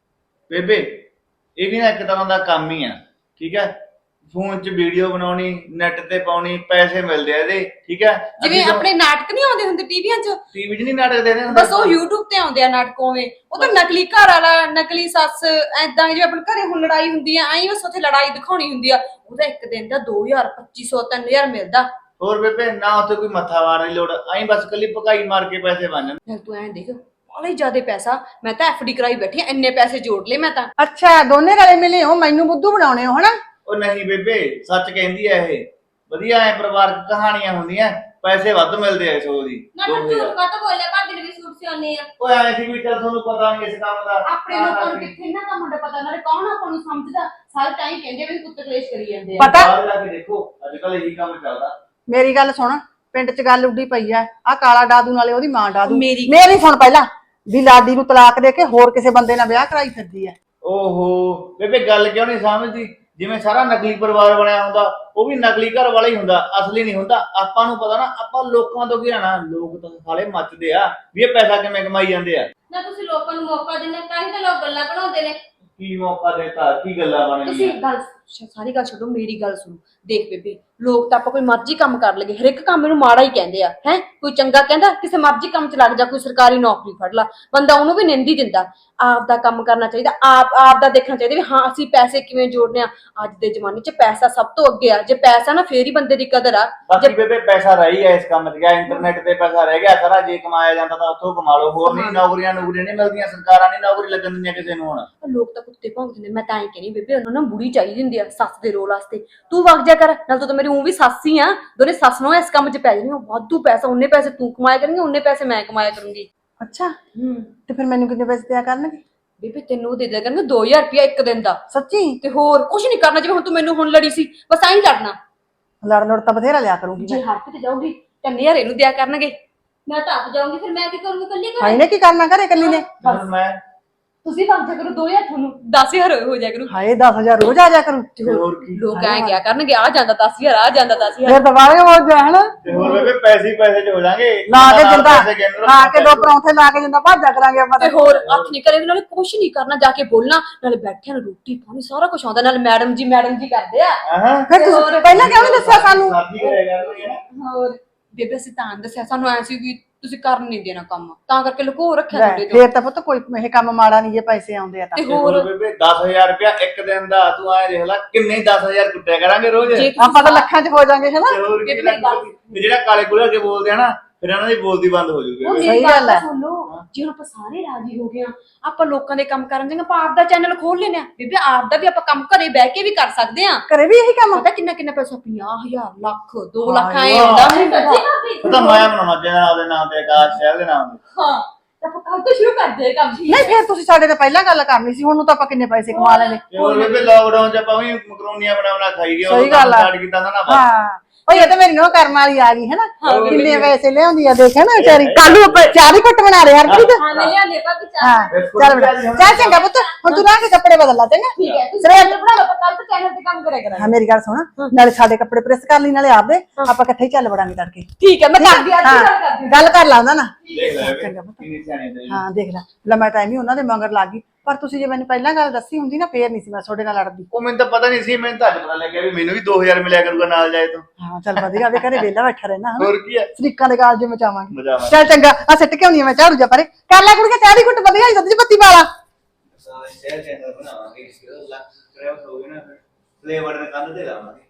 Speaker 3: ਬੇਬੇ ਇਹ ਵੀ ਨਾ ਇੱਕ ਤਰ੍ਹਾਂ ਦਾ ਕੰਮ ਹੀ ਆ, ਠੀਕ ਹੈ? ਫੋਨ 'ਚ ਵੀਡੀਓ ਬਣਾਉਣੀ, ਨੈਟ ਤੇ ਪਾਉਣੀ, ਪੈਸੇ ਮਿਲਦੇ ਆ ਇਹਦੇ, ਠੀਕ ਹੈ?
Speaker 1: ਜਿਵੇਂ ਆਪਣੇ ਨਾਟਕ ਨਹੀਂ ਆਉਂਦੇ ਹੁੰਦੇ ਟੀਵੀਆਂ 'ਚ,
Speaker 3: ਟੀਵੀ 'ਚ ਨਹੀਂ ਨਾਟਕ ਦੇਖਦੇ ਹੁੰਦੇ,
Speaker 1: ਬਸ ਉਹ YouTube ਤੇ ਆਉਂਦੇ ਆ ਨਾਟਕ ਉਵੇਂ। ਉਹ ਤਾਂ ਨਕਲੀ ਘਰ ਵਾਲਾ, ਨਕਲੀ ਸੱਸ, ਐਦਾਂ ਜਿਵੇਂ ਆਪਣੇ ਘਰੇ ਹੁਣ ਲੜਾਈ ਹੁੰਦੀ ਆ, ਐਂ ਬਸ ਉੱਥੇ ਲੜਾਈ ਦਿਖਾਉਣੀ ਹੁੰਦੀ ਆ। ਉਹਦਾ ਇੱਕ ਦਿਨ ਦਾ 2000 2500 3000 ਮਿਲਦਾ।
Speaker 3: ਹੋਰ ਬੇਬੇ ਨਾ ਉੱਥੇ ਕੋਈ ਮੱਥਾ ਮਾਰਨ ਦੀ ਲੋੜ, ਐਂ ਬਸ ਕੱਲੀ ਭਕਾਈ ਮਾਰ ਕੇ ਪੈਸੇ ਬਣ ਜਾਂਦੇ।
Speaker 1: ਫਿਰ ਤੂੰ ਐਂ ਦੇਖ, ਬਾਲੇ ਜ਼ਿਆਦੇ ਪੈਸਾ। ਮੈਂ ਤਾਂ FD ਕਰਾਈ ਬੈਠੀ ਆ, ਇੰਨੇ ਪੈਸੇ ਜੋੜ ਲਏ ਮੈਂ ਤਾਂ।
Speaker 2: ਅੱਛਾ ਦੋਨੇ ਰਲੇ ਮਿਲੇ ਹੋ, ਮੈਨੂੰ ਬੁੱਧੂ ਬਣਾਉਣੇ ਹੋ ਹਨਾ?
Speaker 3: ਉਹ ਨਹੀਂ ਬੇਬੇ, ਸੱਚ ਕਹਿੰਦੀ ਐ ਇਹ। ਵਧੀਆ ਐ ਪਰਿਵਾਰਕ ਕਹਾਣੀਆਂ ਹੁੰਦੀਆਂ, ਪੈਸੇ ਵੱਧ ਮਿਲਦੇ ਐ ਸੋ ਦੀ।
Speaker 8: ਨਾ ਤੂੰ ਝੂਠ ਕਾਹਤੋਂ ਬੋਲਿਆ? ਭਾਬੀ ਨੇ ਵੀ ਸੂਟ ਸਿਉਣੇ ਆ।
Speaker 3: ਉਹ ਐ ਸੀ ਵੀ ਚੱਲ ਤੁਹਾਨੂੰ ਪਤਾ ਨਹੀਂ ਇਸ ਕੰਮ ਦਾ।
Speaker 1: ਆਪਣੇ ਲੋਕਾਂ ਨੂੰ ਕਿੱਥੇ ਇਹਨਾਂ ਦਾ ਮੁੰਡਾ ਪਤਾ, ਨਾਲੇ ਕੌਣ ਆਪਾਂ ਨੂੰ ਸਮਝਦਾ। ਸਾਰੇ ਤਾਂ ਹੀ ਕਹਿੰਦੇ ਵੀ ਕੁੱਤੇ ਕਲੇਸ਼ ਕਰੀ ਜਾਂਦੇ ਆ।
Speaker 2: ਪਤਾ
Speaker 3: ਬਾਹਰ ਜਾ ਕੇ ਦੇਖੋ, ਅੱਜ ਕੱਲ ਇਹੀ ਕੰਮ ਚੱਲਦਾ।
Speaker 2: ਮੇਰੀ ਗੱਲ ਸੁਣ, ਪਿੰਡ 'ਚ ਗੱਲ ਉੱਡੀ ਪਈ ਆ, ਆ ਕਾਲਾ ਡਾਦੂ ਨਾਲੇ ਉਹਦੀ ਮਾਂ ਡਾਦੂ।
Speaker 1: ਮੇਰੀ
Speaker 2: ਸੁਣ ਪਹਿਲਾਂ ਵੀ ਲਾਡੀ ਨੂੰ ਤਲਾਕ ਦੇ ਕੇ ਹੋਰ ਕਿਸੇ ਬੰਦੇ ਨਾਲ ਵਿਆਹ ਕਰਾਈ ਫਿਰਦੀ ਆ।
Speaker 3: ਓਹੋ ਬੇਬੇ ਗੱਲ ਕਿਉਂ ਨਹੀਂ ਸਮਝਦੀ? ਜਿਵੇਂ ਸਾਰਾ ਨਕਲੀ ਪਰਿਵਾਰ ਬਣਿਆ ਹੁੰਦਾ, ਉਹ ਵੀ ਨਕਲੀ ਘਰ ਵਾਲਾ ਹੀ ਹੁੰਦਾ, ਅਸਲੀ ਨਹੀਂ ਹੁੰਦਾ। ਆਪਾਂ ਨੂੰ ਪਤਾ ਨਾ, ਆਪਾਂ ਲੋਕਾਂ ਤੋਂ ਕੀ ਲੈਣਾ? ਲੋਕ ਤਾਂ ਸਾਲੇ ਮੱਚਦੇ ਆ ਵੀ ਇਹ ਪੈਸਾ ਕਿਵੇਂ ਕਮਾਈ ਜਾਂਦੇ ਆ।
Speaker 8: ਨਾ ਤੁਸੀਂ ਲੋਕਾਂ ਨੂੰ ਮੌਕਾ ਦਿੰਦੇ, ਤਾਂ ਹੀ ਤਾਂ ਲੋਕ ਗੱਲਾਂ ਬਣਾਉਂਦੇ ਨੇ।
Speaker 3: ਕੀ ਮੌਕਾ ਦੇਤਾ, ਕੀ ਗੱਲਾਂ ਬਣ
Speaker 1: ਤੁਸੀਂ
Speaker 3: ਗਈਆਂ?
Speaker 1: ਗੱਲ ਸਾਰੀ ਗੱਲ ਛੱਡੋ, ਮੇਰੀ ਗੱਲ ਸੁਣੋ। ਦੇਖ ਬੇਬੇ, ਲੋਕ ਤਾਂ ਆਪਾਂ ਕੋਈ ਮਰਜ਼ੀ ਕੰਮ ਕਰ ਲਈਏ, ਹਰ ਇੱਕ ਕੰਮ ਨੂੰ ਮਾੜਾ ਹੀ ਕਹਿੰਦੇ ਆ। ਹੈ ਕੋਈ ਚੰਗਾ ਕਹਿੰਦਾ? ਕਿਸੇ ਮਰਜ਼ੀ ਕੰਮ 'ਚ ਲੱਗ ਜਾ, ਕੋਈ ਸਰਕਾਰੀ ਨੌਕਰੀ ਫੜ ਲਾ, ਬੰਦਾ ਉਹਨੂੰ ਵੀ ਨਿੰਦੀ ਦਿੰਦਾ। ਆਪ ਦਾ ਕੰਮ ਕਰਨਾ ਚਾਹੀਦਾ, ਆਪ ਦਾ ਦੇਖਣਾ ਚਾਹੀਦਾ ਵੀ ਹਾਂ ਅਸੀਂ ਪੈਸੇ ਕਿਵੇਂ ਜੋੜਨੇ ਆ। ਅੱਜ ਦੇ ਜ਼ਮਾਨੇ 'ਚ ਪੈਸਾ ਸਭ ਤੋਂ ਅੱਗੇ ਆ। ਜੇ ਪੈਸਾ ਨਾ, ਫੇਰ ਹੀ ਬੰਦੇ ਦੀ ਕਦਰ ਆ।
Speaker 3: ਬਾਕੀ ਬੇਬੇ ਪੈਸਾ ਰਹਿ ਗਿਆ ਇਸ ਕੰਮ 'ਚ, ਗਿਆ ਇੰਟਰਨੈਟ ਤੇ ਪੈਸਾ ਰਹਿ ਗਿਆ ਸਾਰਾ। ਜੇ ਕਮਾਇਆ ਜਾਂਦਾ ਤਾਂ ਉੱਥੋਂ ਕਮਾ ਲਓ, ਹੋਰ ਨਹੀਂ। ਨੌਕਰੀਆਂ ਨਹੀਂ ਮਿਲਦੀਆਂ, ਸਰਕਾਰਾਂ ਨਹੀਂ ਨੌਕਰੀ ਲੱਗਣ ਦਿੰਦੀਆਂ ਕਿਸੇ ਨੂੰ। ਹੁਣ
Speaker 1: ਲੋਕ ਤਾਂ ਕੁੱਤੇ ਭੌਂਕਦੇ ਨੇ। ਮੈਂ ਤਾਂ ਐਂ ਕਹਿੰਦੀ ਬੇਬੇ, ਉਹਨਾਂ ਨੂੰ ਬੁੜੀ ਚਾਹੀਦੀ ਹੁੰਦੀ ਆ ਸੱਸ ਦੇ ਰੋਲ ਵਾਸਤੇ। ਤੂੰ ਵਗ ਜਾ ਕਰ, ਨਾਲ ਤੂੰ ਮੇਰੀ ਉਹ ਵੀ ਸੱਸ ਹੀ ਆ। ਦੋਨੇ ਸੱਸ ਨੂੰ ਇਸ ਕੰਮ 'ਚ ਪੈ ਜਾਣੀਆਂ। ਵਾਧੂ ਪੈਸਾ, ਉਹਨੇ ਪੈਸੇ ਤੂੰ ਕਮਾਇਆ ਕਰੇਂਗੀ, ਉਹਨੇ ਪੈਸੇ ਮੈਂ ਕਮਾਇਆ ਕਰੂੰਗੀ।
Speaker 2: ਅੱਛਾ ਤੇ ਫਿਰ ਮੈਨੂੰ ਕਿੰਨੇ ਪੈਸੇ ਦਿਆ ਕਰਨਗੇ?
Speaker 1: ਬੇਬੇ ਤੈਨੂੰ ਉਹ ਦੇ ਦਿਆ ਕਰਨਗੇ 2000 ਰੁਪਇਆ ਇੱਕ ਦਿਨ ਦਾ।
Speaker 2: ਸੱਚੀ?
Speaker 1: ਤੇ ਹੋਰ ਕੁਝ ਨਹੀਂ ਕਰਨਾ, ਜਿਵੇਂ ਹੁਣ ਤੂੰ ਮੈਨੂੰ ਹੁਣ ਲੜੀ ਸੀ, ਬਸ ਐਂ ਹੀ ਲੜਨਾ।
Speaker 2: ਲੜ ਤਾਂ ਬਥੇਰਾ ਲਿਆ ਕਰੂੰਗੀ
Speaker 1: ਜੇ
Speaker 2: ਮੈਂ।
Speaker 1: ਹੱਥ ਤੇ ਜਾਊਗੀ ਤਾਂ ਨਜ਼ਾਰੇ ਨੂੰ ਦਿਆ ਕਰਨਗੇ।
Speaker 8: ਮੈਂ ਤਾਂ ਆਪ ਜਾਊਂਗੀ, ਫਿਰ ਮੈਂ ਕੀ ਕਰੂੰਗੀ ਕੱਲੀ ਘਰੇ?
Speaker 2: ਹਾਏ ਨੇ ਕੀ ਕਰਨਾ ਘਰੇ ਇਕੱਲੀ ਨੇ?
Speaker 3: ਹੁਣ ਮੈਂ
Speaker 1: ਤੁਸੀਂ ਵਗ ਜਾ ਕਰੋ, 2000 ਤੁਹਾਨੂੰ 10000 ਹੋ ਜਾ ਕਰੂ।
Speaker 2: ਹਾਏ 10,000 ਰੋਜ਼ ਆ ਜਾ ਕਰੂ।
Speaker 3: ਤੇ ਹੋਰ ਕੀ?
Speaker 1: ਲੋਕ ਐਂ ਕਿਆ ਕਰਨਗੇ, ਆ ਜਾਂਦਾ 10000, ਆ ਜਾਂਦਾ 10000।
Speaker 2: ਫਿਰ ਦੁਬਾਰੇ ਹੋ ਜਾ ਹਨਾ,
Speaker 3: ਤੇ ਹੋਰ ਬੇਬੇ ਪੈਸੇ ਹੀ ਪੈਸੇ 'ਚ ਹੋ ਜਾਣਗੇ।
Speaker 2: ਲਾ ਕੇ
Speaker 3: ਨਾਲ
Speaker 2: ਜਿੰਦਾ
Speaker 3: ਪੈਸੇ ਗਿਣ ਲਓ,
Speaker 2: ਖਾ ਕੇ ਦੋ ਪਰੌਂਠੇ ਲਾ ਕੇ ਜਿੰਦਾ ਭਾਜਾ ਕਰਾਂਗੇ ਆਪਾਂ
Speaker 1: ਤੇ ਹੋਰ ਅੱਖ ਨਹੀਂ ਕਰੇ, ਨਾਲੇ ਕੁਛ ਨਹੀਂ ਕਰਨਾ, ਜਾ ਕੇ ਬੋਲਣਾ, ਨਾਲੇ ਬੈਠਿਆਂ ਨੂੰ ਰੋਟੀ ਪਾਣੀ ਸਾਰਾ ਕੁਝ ਆਉਂਦਾ, ਨਾਲੇ ਮੈਡਮ ਜੀ ਕਰਦੇ ਆ।
Speaker 3: ਹਾਂ
Speaker 2: ਫਿਰ ਤੁਸੀਂ ਪਹਿਲਾਂ ਕਿਉਂ ਨਹੀਂ ਦੱਸਿਆ ਸਾਨੂੰ?
Speaker 3: ਸਾਡੀ ਕਰੇਗਾ ਕੋਈ ਨਾ।
Speaker 1: ਹੋਰ ਬੇਬੇ ਅਸੀਂ ਤਾਂ ਦੱਸਿਆ, ਸਾਨੂੰ ਐ ਸੀ ਵੀ ਤੁਸੀਂ ਕਰ ਨਹੀਂ ਦੇਣਾ ਕੰਮ, ਤਾਂ ਕਰਕੇ ਲੁਕੋ ਰੱਖਿਆ ਤੁਹਾਡੇ ਤੋਂ।
Speaker 2: ਫੇਰ ਤਾਂ ਪੁੱਤ ਕੋਈ ਇਹ ਕੰਮ ਮਾੜਾ ਨਹੀਂ ਜੇ ਪੈਸੇ ਆਉਂਦੇ ਆ ਤਾਂ।
Speaker 1: ਤੇ
Speaker 3: ਤੇ
Speaker 1: ਹੋਰ
Speaker 3: ਹੋਰ ਬੇਬੇ 10000 ਰੁਪਇਆ ਇੱਕ ਦਿਨ ਦਾ, ਤੂੰ ਐ ਦੇਖ ਲੈ ਕਿੰਨੇ 10000 ਕੁੱਟਿਆ ਕਰਾਂਗੇ ਰੋਜ਼।
Speaker 1: ਜੇ
Speaker 2: ਆਪਾਂ ਤਾਂ ਲੱਖਾਂ 'ਚ ਹੋ ਜਾਾਂਗੇ ਹਨਾ।
Speaker 3: ਤੇ ਹੋਰ ਕੀ ਲੱਗਦਾ? ਤੇ ਜਿਹੜਾ ਕਾਲੇ ਕੁਲੇ ਕੇ ਬੋਲਦੇ ਆ ਨਾ, ਫਿਰ ਇਹਨਾਂ ਦੀ ਬੋਲਦੀ ਬੰਦ ਹੋ ਜੂਗੀ।
Speaker 1: ਉਹ
Speaker 2: ਸਹੀ
Speaker 1: ਮੇਰੀ
Speaker 2: ਗੱਲ
Speaker 1: ਗੱਲ
Speaker 2: ਹੈ।
Speaker 1: ਸੁਣ ਲਓ, ਜੇ ਹੁਣ ਆਪਾਂ ਸਾਰੇ ਰਾਜੀ ਹੋ ਗਏ ਆ, ਆਪਾਂ ਲੋਕਾਂ ਦੇ ਕੰਮ ਕਰਨ ਜਾਂਗੇ, ਆਪਾਂ ਆਪ ਦਾ ਚੈਨਲ ਖੋਲ ਲੈਨੇ ਆ। ਬੇਬੇ ਆਪ ਦਾ ਵੀ ਆਪਾਂ ਕੰਮ ਘਰੇ ਬਹਿ ਕੇ ਵੀ ਕਰ ਸਕਦੇ ਆ।
Speaker 2: ਘਰੇ ਵੀ ਇਹੀ ਕੰਮ?
Speaker 1: ਪਤਾ ਕਿੰਨਾ ਪੈਸਾ? 50,000 ਲੱਖ 2 ਲੱਖ
Speaker 2: ਹਾਂ
Speaker 1: ਐ
Speaker 2: ਯਾਰ।
Speaker 1: ਹੁੰਦਾ।
Speaker 8: ਸੱਚੀ ਭਾਬੀ?
Speaker 3: ਉਹ ਤਾਂ ਮੈਂ ਬਣਾਉਣਾ ਚਾਹੀਦਾ ਉਹਦੇ ਨਾਮ ਤੇ, ਆਕਾਸ਼ ਸ਼ਹਿਰ ਦੇ ਨਾਮ ਤੇ।
Speaker 1: ਹਾਂ ਤਾਂ ਆਪਾਂ ਕੱਲ ਤੋਂ ਸ਼ੁਰੂ ਕਰਦੇ ਕੰਮ।
Speaker 2: ਨਹੀਂ ਫਿਰ ਤੁਸੀਂ ਸਾਡੇ ਤੋਂ ਪਹਿਲਾਂ ਗੱਲ ਕਰਨੀ ਸੀ, ਹੁਣ ਨੂੰ ਤਾਂ ਆਪਾਂ ਕਿੰਨੇ ਪੈਸੇ ਕਮਾ ਲੈਣੇ।
Speaker 3: ਤੇ ਹੋਰ ਬੇਬੇ ਲਾਕਡਾਊਨ 'ਚ ਆਪਾਂ ਵੀ ਮਕਰੋਨੀਆਂ ਬਣਾ ਖਾਈ ਗਏ।
Speaker 2: ਸਹੀ ਗੱਲ ਆ।
Speaker 3: ਸਟਾਰਟ ਕੀਤਾ ਤਾਂ ਨਾ ਬਸ।
Speaker 2: ਹਾਂ ਓਏ ਇਹ ਤਾਂ ਮੇਰੀ ਨੋ ਕਰਮ ਵਾਲੀ ਆ ਗਈ ਹੈ ਨਾ, ਕਿੰਨੇ ਪੈਸੇ ਲਿਆਉਂਦੀ ਆ ਦੇਖਿਆ ਨਾ ਵਿਚਾਰੀ। ਕੱਲ ਨੂੰ ਆਪਾਂ ਚਾਹ ਦੀ ਘੁੱਟ ਬਣਾ ਰਹੇ ਹਰਪ੍ਰੀਤ।
Speaker 8: ਹਾਂ ਮੈਂ ਲਿਆਂਦੇ ਭਾਬੀ ਚਾਹ।
Speaker 2: ਹਾਂ ਚੱਲ ਬਣਾ ਚੱਲ ਚੰਗਾ ਪੁੱਤ, ਹੁਣ ਤੂੰ ਨਾ ਕੇ ਕੱਪੜੇ ਬਦਲ ਲਾ ਚੰਗਾ।
Speaker 1: ਠੀਕ ਹੈ, ਤੁਸੀਂ ਚੈਨਲ ਬਣਾ ਲਓ, ਆਪਾਂ ਕੱਲ ਤੋਂ ਚੈਨਲ ਤੇ ਕੰਮ ਕਰਿਆ ਕਰਾਂਗੇ।
Speaker 2: ਹਾਂ ਮੇਰੀ ਗੱਲ ਸੁਣ, ਨਾਲੇ ਸਾਡੇ ਕੱਪੜੇ ਪ੍ਰੈਸ ਕਰ ਲਈ, ਨਾਲੇ ਆਪਦੇ ਆਪਾਂ ਇਕੱਠੇ ਹੀ ਚੱਲ ਵੜਾਂਗੇ ਤੜਕੇ।
Speaker 1: ਠੀਕ ਹੈ, ਮੈਂ ਕਰਦੀ ਆ, ਅੱਜ
Speaker 2: ਹਾਂ
Speaker 1: ਗੱਲ ਕਰਦੀ
Speaker 2: ਗੱਲ ਕਰ ਲਾ ਉਹਨਾਂ ਨਾਲ।
Speaker 3: ਦੇਖ ਲੈ
Speaker 2: ਚੰਗਾ ਪੁੱਤ।
Speaker 3: ਕਿੰਨੀ ਸਿਆਣੀ ਤੇ।
Speaker 2: ਹਾਂ ਦੇਖ ਲੈ, ਲੰਮਾ ਟਾਈਮ ਹੀ ਉਹਨਾਂ ਦੇ ਮਗਰ ਲੱਗ ਗਈ। ਪਰ ਤੁਸੀਂ ਜੇ ਮੈਨੂੰ ਪਹਿਲਾਂ ਗੱਲ ਦੱਸੀ ਹੁੰਦੀ ਨਾ, ਫੇਰ ਨਹੀਂ ਸੀ ਮੈਂ ਤੁਹਾਡੇ ਨਾਲ ਲੜਦੀ।
Speaker 3: ਉਹ ਮੈਨੂੰ ਤਾਂ ਪਤਾ ਨਹੀਂ ਸੀ, ਮੈਨੂੰ ਤਾਂ ਅੱਜ ਪਤਾ ਲੱਗਿਆ ਵੀ ਮੈਨੂੰ ਵੀ 2000 ਮਿਲਿਆ ਕਰੂਗਾ ਨਾਲ ਜਾਏ ਤੋਂ।
Speaker 2: ਹਾਂ ਚੱਲ ਵਧੀਆ ਵੇ, ਘਰੇ ਵਿਹਲਾ ਬੈਠਾ ਰਹਿਣਾ ਹਨਾ,
Speaker 3: ਹੋਰ ਕੀ ਹੈ,
Speaker 2: ਸਰੀਕਾਂ ਦੇ ਕਾਲਜ ਮਚਾਵਾਂਗੇ।
Speaker 3: ਮਜ਼ਾ ਆਵਾਂ।
Speaker 2: ਚੱਲ ਚੰਗਾ, ਆ ਸਿੱਟ ਕੇ ਆਉਂਦੀ ਆ ਮੈਂ ਝਾੜੂ ਜਾ ਪਰੇ। ਕਰ ਲੈ ਕੁੜੀਏ ਚਾਹ ਦੀ ਘੁੱਟ, ਵਧੀਆ ਹੀ ਦੁੱਧ 'ਚ ਪੱਤੀ ਪਾ ਲਾ।
Speaker 3: ਸ਼ਹਿਰ ਦੇ ਅੰਦਰ ਬਣਾਵਾਂਗੇ, ਲੱਖ ਸਬਸਕ੍ਰਾਈਬਰ ਹੋ ਗਏ ਨਾ, ਫਲੇਵਰ ਦੇ ਕੰਨ ਤੇ ਲਾਵਾਂਗੇ।